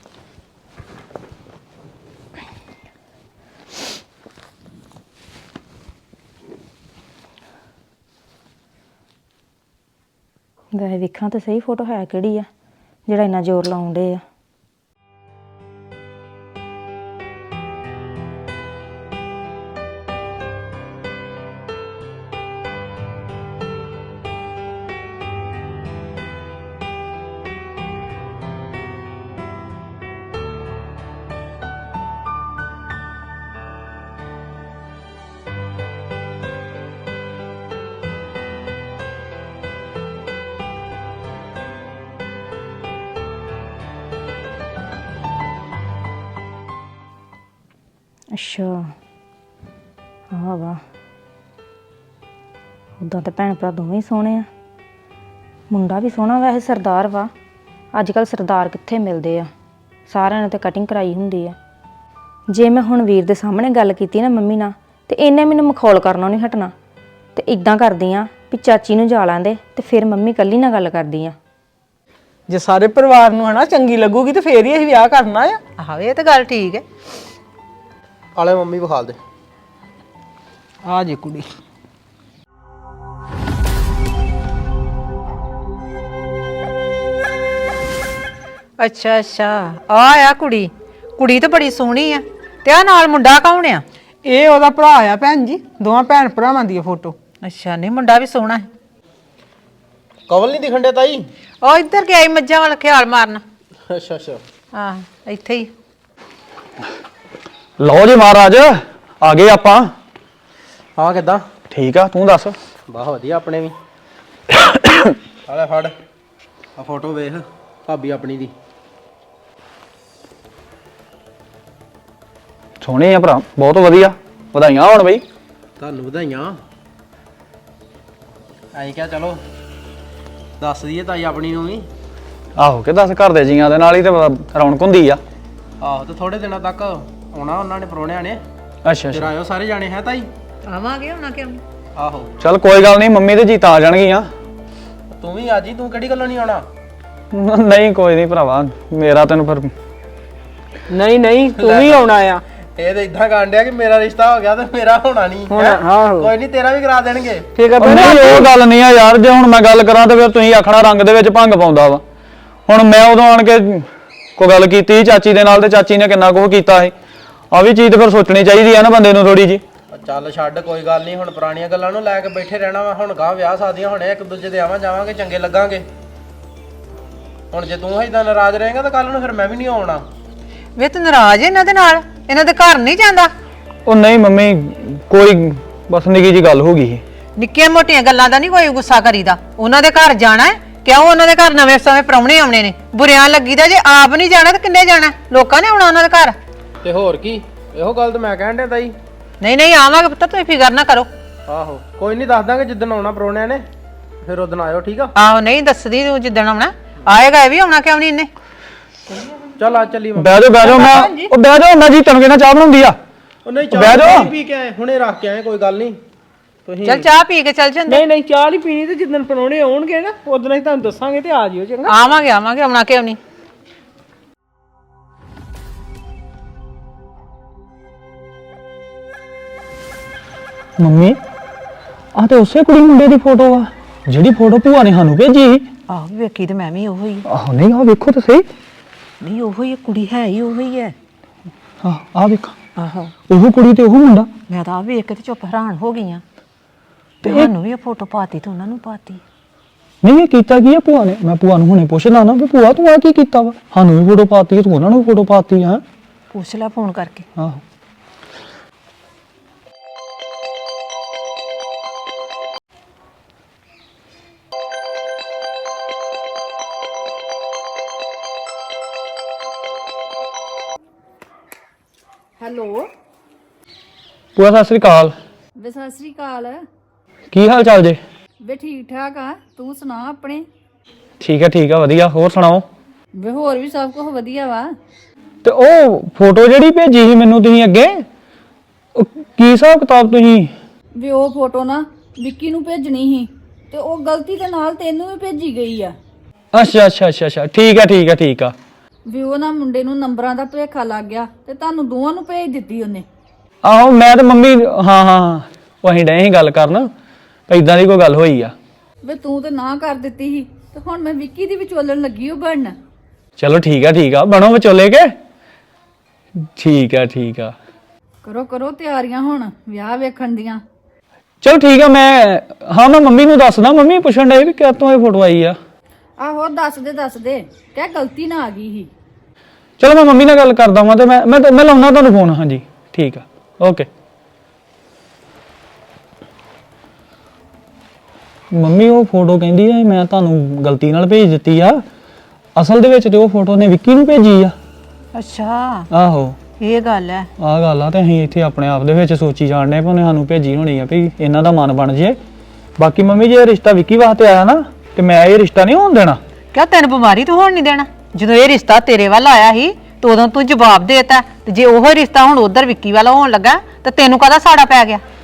[SPEAKER 4] ਵੈਸੇ ਵੇਖਾਂ ਤਾਂ ਸਹੀ ਫੋਟੋ ਹੈ ਕਿਹੜੀ ਆ ਜਿਹੜਾ ਇੰਨਾ ਜ਼ੋਰ ਲਾਉਂਦੇ ਆ। ਅੱਛਾ ਆਹ ਵਾ, ਉੱਦਾਂ ਤਾਂ ਭੈਣ ਭਰਾ ਦੋਵੇਂ ਹੀ ਸੋਹਣੇ ਆ। ਮੁੰਡਾ ਵੀ ਸੋਹਣਾ, ਵੈਸੇ ਸਰਦਾਰ ਵਾ। ਅੱਜ ਕੱਲ੍ਹ ਸਰਦਾਰ ਕਿੱਥੇ ਮਿਲਦੇ ਆ, ਸਾਰਿਆਂ ਨੇ ਤਾਂ ਕਟਿੰਗ ਕਰਾਈ ਹੁੰਦੀ ਆ। ਜੇ ਮੈਂ ਹੁਣ ਵੀਰ ਦੇ ਸਾਹਮਣੇ ਗੱਲ ਕੀਤੀ ਨਾ ਮੰਮੀ ਨਾਲ, ਤੇ ਇਹਨੇ ਮੈਨੂੰ ਮਖੌਲ ਕਰਨੋਂ ਨਹੀਂ ਹਟਣਾ। ਤੇ ਇਦਾਂ ਕਰਦੀ ਆ ਵੀ ਚਾਚੀ ਨੂੰ ਜਾ ਲੈਂਦੇ ਤੇ ਫਿਰ ਮੰਮੀ ਇਕੱਲੀ ਨਾਲ ਗੱਲ ਕਰਦੀ ਆ।
[SPEAKER 8] ਜੇ ਸਾਰੇ ਪਰਿਵਾਰ ਨੂੰ ਹਨਾ ਚੰਗੀ ਲੱਗੂਗੀ ਤੇ ਫੇਰ ਹੀ ਅਸੀਂ ਵਿਆਹ ਕਰਨਾ ਆ।
[SPEAKER 1] ਆਹੋ ਇਹ ਤਾਂ ਗੱਲ ਠੀਕ ਹੈ।
[SPEAKER 7] ਆਲੇ ਮੰਮੀ ਵਿਖਾਲ ਦੇ।
[SPEAKER 8] ਆ ਜੇ ਕੁੜੀ
[SPEAKER 1] ਅੱਛਾ ਅੱਛਾ, ਆ ਕੁੜੀ, ਕੁੜੀ ਤਾਂ ਬੜੀ ਸੋਹਣੀ ਆ। ਤੇ ਆ ਨਾਲ ਮੁੰਡਾ ਕੌਣ ਆ?
[SPEAKER 8] ਇਹ ਉਹਦਾ ਭਰਾ ਆ ਭੈਣ ਜੀ, ਦੋਵਾਂ ਭੈਣ ਭਰਾਵਾਂ ਦੀ ਫੋਟੋ।
[SPEAKER 1] ਅੱਛਾ, ਨਹੀਂ ਮੁੰਡਾ ਵੀ ਸੋਹਣਾ ਹੈ।
[SPEAKER 7] ਕਵਲ ਨਹੀਂ ਦਿਖਣ ਡਿਆ ਤਾਈ?
[SPEAKER 1] ਉਹ ਇੱਧਰ ਗਿਆ ਈ ਮੱਝਾਂ ਵਾਲਾ ਖਿਆਲ ਮਾਰਨ।
[SPEAKER 7] ਅੱਛਾ ਅੱਛਾ,
[SPEAKER 1] ਆਹ ਇੱਥੇ ਹੀ।
[SPEAKER 2] ਲਓ ਜੀ ਮਹਾਰਾਜ, ਆ ਗਏ ਆਪਾਂ।
[SPEAKER 7] ਹਾਂ ਕਿੱਦਾਂ?
[SPEAKER 2] ਠੀਕ ਆ, ਤੂੰ ਦੱਸ।
[SPEAKER 7] ਬਹੁਤ ਵਧੀਆ ਆਪਣੇ ਵੀ। ਆਲੇ ਫੜ ਆ ਫੋਟੋ ਵੇਖ ਭਾਬੀ ਆਪਣੀ ਦੀ।
[SPEAKER 2] ਸੋਹਣੇ ਆ ਭਰਾ, ਬਹੁਤ ਵਧੀਆ। ਵਧਾਈਆਂ ਹੋਣ ਬਈ।
[SPEAKER 7] ਤੁਹਾਨੂੰ ਵਧਾਈਆਂ। ਐਂ ਕਿਹਾ ਚਲੋ ਦੱਸ ਦਈਏ ਤਾਈ ਆਪਣੀ ਨੂੰ ਵੀ।
[SPEAKER 2] ਆਹੋ ਕਿ ਦੱਸ, ਘਰ ਦੇ ਜੀਆਂ ਦੇ ਨਾਲ ਹੀ ਤੇ ਰੌਣਕ ਹੁੰਦੀ ਆ।
[SPEAKER 7] ਆਹੋ ਤੇ ਥੋੜੇ ਦਿਨਾਂ ਤੱਕ ਆਉਣਾ ਉਹਨਾਂ ਨੇ, ਪਰੋਣਿਆਂ ਨੇ।
[SPEAKER 2] ਅੱਛਾ
[SPEAKER 7] ਫਿਰ
[SPEAKER 2] ਅੱਛਾ,
[SPEAKER 7] ਆਇਓ ਸਾਰੇ ਜਾਣੇ ਹੈ ਤਾਈ।
[SPEAKER 1] ਆਵਾਂਗੇ ਹੁਣ ਕਿਉਂ?
[SPEAKER 7] ਆਹੋ
[SPEAKER 2] ਚੱਲ ਕੋਈ ਗੱਲ ਨਹੀਂ, ਮੰਮੀ ਤੇ ਜੀ ਤਾਂ ਆ ਜਾਣਗੀਆਂ।
[SPEAKER 7] ਤੂੰ ਵੀ ਆ ਜੀ, ਤੂੰ ਕਿਹੜੀ ਗੱਲੋਂ ਨਹੀਂ ਆਉਣਾ?
[SPEAKER 2] ਨਹੀਂ ਕੋਈ ਨਹੀਂ ਭਰਾਵਾ, ਮੇਰਾ ਤੈਨੂੰ ਫਿਰ
[SPEAKER 8] ਨਹੀਂ ਨਹੀਂ, ਤੂੰ ਵੀ ਆਉਣਾ ਆ।
[SPEAKER 7] ਇਹ ਤਾਂ ਇਦਾਂ ਕਾਂਡਿਆ ਕਿ ਮੇਰਾ ਰਿਸ਼ਤਾ ਹੋ ਗਿਆ ਤੇ ਮੇਰਾ ਹੋਣਾ ਨਹੀਂ।
[SPEAKER 8] ਆਹੋ।
[SPEAKER 7] ਕੋਈ ਨਹੀਂ, ਤੇਰਾ ਵੀ ਕਰਾ ਦੇਣਗੇ।
[SPEAKER 8] ਠੀਕ ਆ
[SPEAKER 2] ਨਹੀਂ ਉਹ ਗੱਲ ਨਹੀਂ ਆ ਯਾਰ, ਜੇ ਹੁਣ ਮੈਂ ਗੱਲ ਕਰਾਂ ਤੇ ਫਿਰ ਤੁਸੀਂ ਆਖਣਾ ਰੰਗ ਦੇ ਵਿੱਚ ਭੰਗ ਪਾਉਂਦਾ ਵਾ। ਹੁਣ ਮੈਂ ਉਦੋਂ ਆਣ ਕੇ ਕੋਈ ਗੱਲ ਕੀਤੀ ਚਾਚੀ ਦੇ ਨਾਲ ਤੇ ਚਾਚੀ ਨੇ ਕਿੰਨਾ ਕੁਝ ਕੀਤਾ ਸੀ। ਆ ਵੀ ਚੀਜ਼ ਤੇ ਫਿਰ ਸੋਚਣੀ ਚਾਹੀਦੀ ਆ ਨਾ ਬੰਦੇ ਨੂੰ ਥੋੜੀ ਜੀ।
[SPEAKER 7] ਚੱਲ ਛੱਡ, ਕੋਈ ਗੱਲ ਨਹੀਂ। ਹੁਣ ਪੁਰਾਣੀਆਂ ਗੱਲਾਂ ਨੂੰ ਲੈ ਕੇ ਬੈਠੇ ਰਹਿਣਾ ਵਾ। ਹੁਣ ਗਾਂ ਵਿਆਹ ਸ਼ਾਦੀਆਂ ਹੋਣੇ, ਇੱਕ ਦੂਜੇ ਦੇ ਆਵਾਂ ਜਾਵਾਂਗੇ, ਚੰਗੇ ਲੱਗਾਂਗੇ। ਹੁਣ ਜੇ ਤੂੰ ਏਦਾਂ ਨਾਰਾਜ਼ ਰਹੇਂਗਾ ਤਾਂ ਕੱਲ ਨੂੰ ਫਿਰ ਮੈਂ ਵੀ ਨਹੀਂ ਆਉਣਾ।
[SPEAKER 1] ਵੇ ਤੂੰ ਨਾਰਾਜ਼ ਇਹਨਾਂ ਦੇ ਨਾਲ? ਇਹਨਾਂ ਦੇ ਘਰ ਨਹੀਂ ਜਾਂਦਾ?
[SPEAKER 2] ਉਹ ਨਹੀਂ ਮੰਮੀ, ਕੋਈ ਬਸ ਨਿੱਕੀ ਜੀ ਗੱਲ ਹੋ ਗਈ ਸੀ।
[SPEAKER 1] ਨਿੱਕੀਆਂ ਮੋਟੀਆਂ ਗੱਲਾਂ ਦਾ ਨਹੀਂ ਕੋਈ ਗੁੱਸਾ ਕਰੀਦਾ। ਉਹਨਾਂ ਦੇ ਘਰ ਜਾਣਾ ਹੈ, ਕਿਉਂ? ਉਹਨਾਂ ਦੇ ਘਰ ਨਵੇਂ ਸਮੇਂ ਪ੍ਰਾਹੁਣੇ ਆਉਣੇ ਨੇ। ਬੁਰਿਆਂ ਲੱਗੀਦਾ, ਜੇ ਆਪ ਨਹੀਂ ਜਾਣਾ ਤਾਂ ਕਿੰਨੇ ਜਾਣਾ? ਲੋਕਾਂ ਨੇ ਆਉਣਾ ਉਹਨਾਂ ਦੇ ਘਰ।
[SPEAKER 7] ਤੇ ਹੋਰ ਕੀ, ਇਹੋ ਗੱਲ ਤਾਂ ਮੈਂ ਕਹਿਣ ਡਿਆ ਤਾਈ।
[SPEAKER 1] ਨਹੀਂ ਨਹੀਂ ਆਵਾਂਗੇ ਪੁੱਤ, ਤੁਸੀਂ ਫਿਕਰ ਨਾ ਕਰੋ।
[SPEAKER 7] ਆਹੋ ਕੋਈ ਨਹੀਂ, ਦੱਸ ਦਾਂਗੇ ਜਿੱਦਣ ਆਉਣਾ ਪਰੋਣਿਆਂ ਨੇ, ਫਿਰ ਉਦੋਂ ਆਇਓ। ਠੀਕ ਆ?
[SPEAKER 1] ਆਹੋ ਨਹੀਂ ਦੱਸਦੀ ਤੂੰ ਜਿੱਦਣ ਆਉਣਾ। ਆਏਗਾ ਇਹ ਵੀ ਆਉਣਾ, ਕਿਉਂ ਨਹੀਂ ਇਹਨੇ?
[SPEAKER 7] ਚੱਲ ਆ ਚੱਲੀ।
[SPEAKER 2] ਬਹਿ ਜਾਓ ਮੈਂ, ਉਹ ਬਹਿ ਜਾਓ, ਮੈਂ ਜੀ ਤੈਨੂੰ ਕਹਿੰਦਾ ਚਾਹ ਬਣਾਉਂਦੀ ਆ।
[SPEAKER 7] ਉਹ ਨਹੀਂ,
[SPEAKER 2] ਬਹਿ ਜਾਓ।
[SPEAKER 7] ਚਾਹ ਪੀ ਕੇ ਆਏ, ਹੁਣੇ ਰੱਖ ਕੇ ਆਏ, ਕੋਈ ਗੱਲ ਨਹੀਂ। ਤੁਸੀਂ
[SPEAKER 1] ਚੱਲ ਚਾਹ ਪੀ ਕੇ ਚੱਲ ਜਾਂਦੇ।
[SPEAKER 8] ਨਹੀਂ ਨਹੀਂ, ਚਾਹ ਨਹੀਂ ਪੀਣੀ ਤੇ ਜਿੱਦਣ ਪਰੋਣੇ ਆਉਣਗੇ ਨਾ ਉਦੋਂ ਅਸੀਂ ਤੁਹਾਨੂੰ ਦੱਸਾਂਗੇ ਤੇ ਆ ਜਿਓ ਚੰਗਾ।
[SPEAKER 1] ਆਵਾਂਗੇ ਆਵਾਂਗੇ, ਆਉਣਾ ਕਿਉਂ ਨਹੀਂ।
[SPEAKER 2] ਮੰਮੀ ਆ ਤੇ ਉਸੇ ਕੁੜੀ ਮੁੰਡੇ ਦੀ ਫੋਟੋ ਆ ਜਿਹੜੀ ਫੋਟੋ ਭੂਆ ਨੇ ਸਾਨੂੰ ਭੇਜੀ।
[SPEAKER 1] ਆਹੋ ਵੇਖੀ ਤੇ ਮੈਂ ਵੀ ਉਹੋ ਹੀ।
[SPEAKER 2] ਆਹੋ ਨਹੀਂ, ਆ ਵੇਖੋ ਤੇ ਸਹੀ।
[SPEAKER 1] ਨਹੀਂ ਉਹੋ ਹੀ ਕੁੜੀ ਹੈ ਹੀ ਉਹੋ ਹੀ ਹੈ।
[SPEAKER 2] ਆ ਵੇਖੋ,
[SPEAKER 1] ਆਹੋ
[SPEAKER 2] ਉਹ ਕੁੜੀ ਤੇ ਉਹ ਮੁੰਡਾ।
[SPEAKER 1] ਮੈਂ ਤਾਂ ਆ ਵੇਖ ਕੇ ਤੇ ਚੁੱਪ ਹੈਰਾਨ ਹੋ ਗਈ ਆ। ਤੇ ਸਾਨੂੰ ਵੀ ਇਹ ਫੋਟੋ ਪਾਤੀ ਤੇ ਉਹਨਾਂ ਨੂੰ ਪਾਤੀ।
[SPEAKER 2] ਨਹੀਂ ਇਹ ਕੀਤਾ ਕੀ ਆ ਭੂਆ ਨੇ? ਮੈਂ ਭੂਆ ਨੂੰ ਹੁਣੇ ਪੁੱਛਦਾ ਨਾ ਵੀ ਭੂਆ ਤੂੰ ਆ ਕੀ ਕੀਤਾ ਵਾ? ਸਾਨੂੰ ਵੀ ਫੋਟੋ ਪਾਤੀ, ਤੂੰ ਉਹਨਾਂ ਨੂੰ ਫੋਟੋ ਪਾਤੀ ਆ।
[SPEAKER 1] ਪੁੱਛ ਲੈ ਫੋਨ ਕਰਕੇ।
[SPEAKER 2] ਆਹੋ
[SPEAKER 3] ਹੈਲੋ
[SPEAKER 2] ਭੂਆ ਸਤਿ ਸ੍ਰੀ ਅਕਾਲ।
[SPEAKER 3] ਵੇ ਸਤਿ ਸ੍ਰੀ ਅਕਾਲ।
[SPEAKER 2] ਕੀ ਹਾਲ ਚਾਲ ਜੇ?
[SPEAKER 3] ਵੇ ਠੀਕ ਠਾਕ ਆ, ਤੂੰ ਸੁਣਾ ਆਪਣੇ।
[SPEAKER 2] ਠੀਕ ਆ ਵਧੀਆ। ਹੋਰ ਸੁਣਾਓ?
[SPEAKER 3] ਵੇ ਹੋਰ ਵੀ ਸਭ ਕੁਝ ਵਧੀਆ ਵਾ।
[SPEAKER 2] ਤੇ ਉਹ ਫੋਟੋ ਜਿਹੜੀ ਭੇਜੀ ਸੀ ਮੈਨੂੰ ਤੁਸੀਂ ਅੱਗੇ, ਉਹ ਕੀ ਹਿਸਾਬ ਕਿਤਾਬ ਤੁਸੀਂ?
[SPEAKER 3] ਵੇ ਉਹ ਫੋਟੋ ਨਾ ਵਿੱਕੀ ਨੂੰ ਭੇਜਣੀ ਸੀ ਤੇ ਉਹ ਗਲਤੀ ਦੇ ਨਾਲ ਤੈਨੂੰ ਵੀ ਭੇਜੀ ਗਈ ਆ
[SPEAKER 2] ਅੱਛਾ ਅੱਛਾ ਅੱਛਾ ਅੱਛਾ ਠੀਕ ਆ ਠੀਕ ਆ ਠੀਕ ਆ
[SPEAKER 3] ਵੀ ਉਹ ਨਾ ਮੁੰਡੇ ਨੂੰ ਨੰਬਰਾਂ ਦਾ ਭੁਲੇਖਾ ਲੱਗ ਗਿਆ ਤੇ ਤੁਹਾਨੂੰ ਦੋਵਾਂ ਨੂੰ ਭੇਜ ਦਿੱਤੀ ਉਹਨੇ।
[SPEAKER 2] ਆਹੋ ਮੈਂ ਤੇ ਮੰਮੀ ਹਾਂ ਹਾਂ ਉਹ ਅਸੀਂ ਡਏ ਸੀ ਗੱਲ ਕਰਨ ਇਦਾਂ ਦੀ ਕੋਈ ਗੱਲ ਹੋਈ ਆ।
[SPEAKER 3] ਵੇ ਤੂੰ ਤੇ ਨਾ ਕਰ ਦਿੱਤੀ ਸੀ ਤੇ ਹੁਣ ਮੈਂ ਵਿੱਕੀ ਦੀ ਵਿਚੋਲਣ ਲੱਗੀ ਉਹ ਬਣਨ।
[SPEAKER 2] ਚਲੋ ਠੀਕ ਆ ਬਣੋ ਵਿਚੋਲੇ ਕੇ। ਠੀਕ ਆ
[SPEAKER 3] ਕਰੋ ਕਰੋ ਤਿਆਰੀਆਂ ਹੁਣ ਵਿਆਹ ਵੇਖਣ ਦੀਆਂ।
[SPEAKER 2] ਚਲੋ ਠੀਕ ਆ ਮੈਂ ਮੰਮੀ ਨੂੰ ਦੱਸਦਾ। ਮੰਮੀ ਪੁੱਛਣ ਡਏ ਵੀ ਕਿੱਥੋਂ ਇਹ ਫੋਟੋ ਆਈ ਆ।
[SPEAKER 3] ਆਹੋ ਦੱਸ ਦੇ ਕਹਿ ਗਲਤੀ ਨਾ ਆ ਗਈ ਸੀ।
[SPEAKER 2] ਚਲੋ ਮੈਂ ਮੰਮੀ ਨਾਲ ਗੱਲ ਕਰਦਾ ਵਾਂ ਤੇ ਮੈਂ ਲਾਉਣਾ ਤੁਹਾਨੂੰ ਫੋਨ। ਹਾਂਜੀ ਠੀਕ ਆ ਓਕੇ। ਮੰਮੀ ਉਹ ਫੋਟੋ ਕਹਿੰਦੀ ਆ ਮੈਂ ਤੁਹਾਨੂੰ ਗਲਤੀ ਨਾਲ ਭੇਜ ਦਿੱਤੀ ਆ। ਅਸਲ ਦੇ ਵਿੱਚ ਤੇ ਉਹ ਫੋਟੋ ਨੇ ਵਿੱਕੀ ਨੂੰ ਭੇਜੀ ਆ।
[SPEAKER 1] ਅੱਛਾ
[SPEAKER 2] ਆਹੋ
[SPEAKER 1] ਇਹ ਗੱਲ ਹੈ।
[SPEAKER 2] ਆਹ ਗੱਲ ਆ ਤੇ ਅਸੀਂ ਇੱਥੇ ਆਪਣੇ ਆਪ ਦੇ ਵਿੱਚ ਸੋਚੀ ਜਾਣਦੇ ਪਏ ਉਹਨੇ ਸਾਨੂੰ ਭੇਜੀ ਹੋਣੀ ਆ ਵੀ ਇਹਨਾਂ ਦਾ ਮਨ ਬਣ ਜੇ। ਬਾਕੀ ਮੰਮੀ ਜੇ ਇਹ ਰਿਸ਼ਤਾ ਵਿੱਕੀ ਵਾਸਤੇ ਆਇਆ ਨਾ ਤੇ ਮੈਂ ਇਹ ਰਿਸ਼ਤਾ ਨਹੀਂ ਹੋਣ ਦੇਣਾ।
[SPEAKER 1] ਕਿਆ ਤੈਨੂੰ ਬਿਮਾਰੀ ਤੋਂ ਹੋਣ ਨਹੀਂ ਦੇਣਾ? ਜਦੋਂ ਇਹ ਰਿਸ਼ਤਾ ਤੇਰੇ ਵੱਲ ਆਇਆ ਸੀ ਤੇ ਉਦੋਂ ਤੂੰ ਜਵਾਬ ਦੇਤਾ ਤੇ ਜੇ ਉਹ ਰਿਸ਼ਤਾ ਹੁਣ ਉਧਰ ਵਿੱਕੀ ਵਾਲਾ ਹੋਣ ਲੱਗਾ ਤੇ ਤੈਨੂੰ ਕਾਹਦਾ ਸਾੜਾ ਪੈ ਗਿਆ?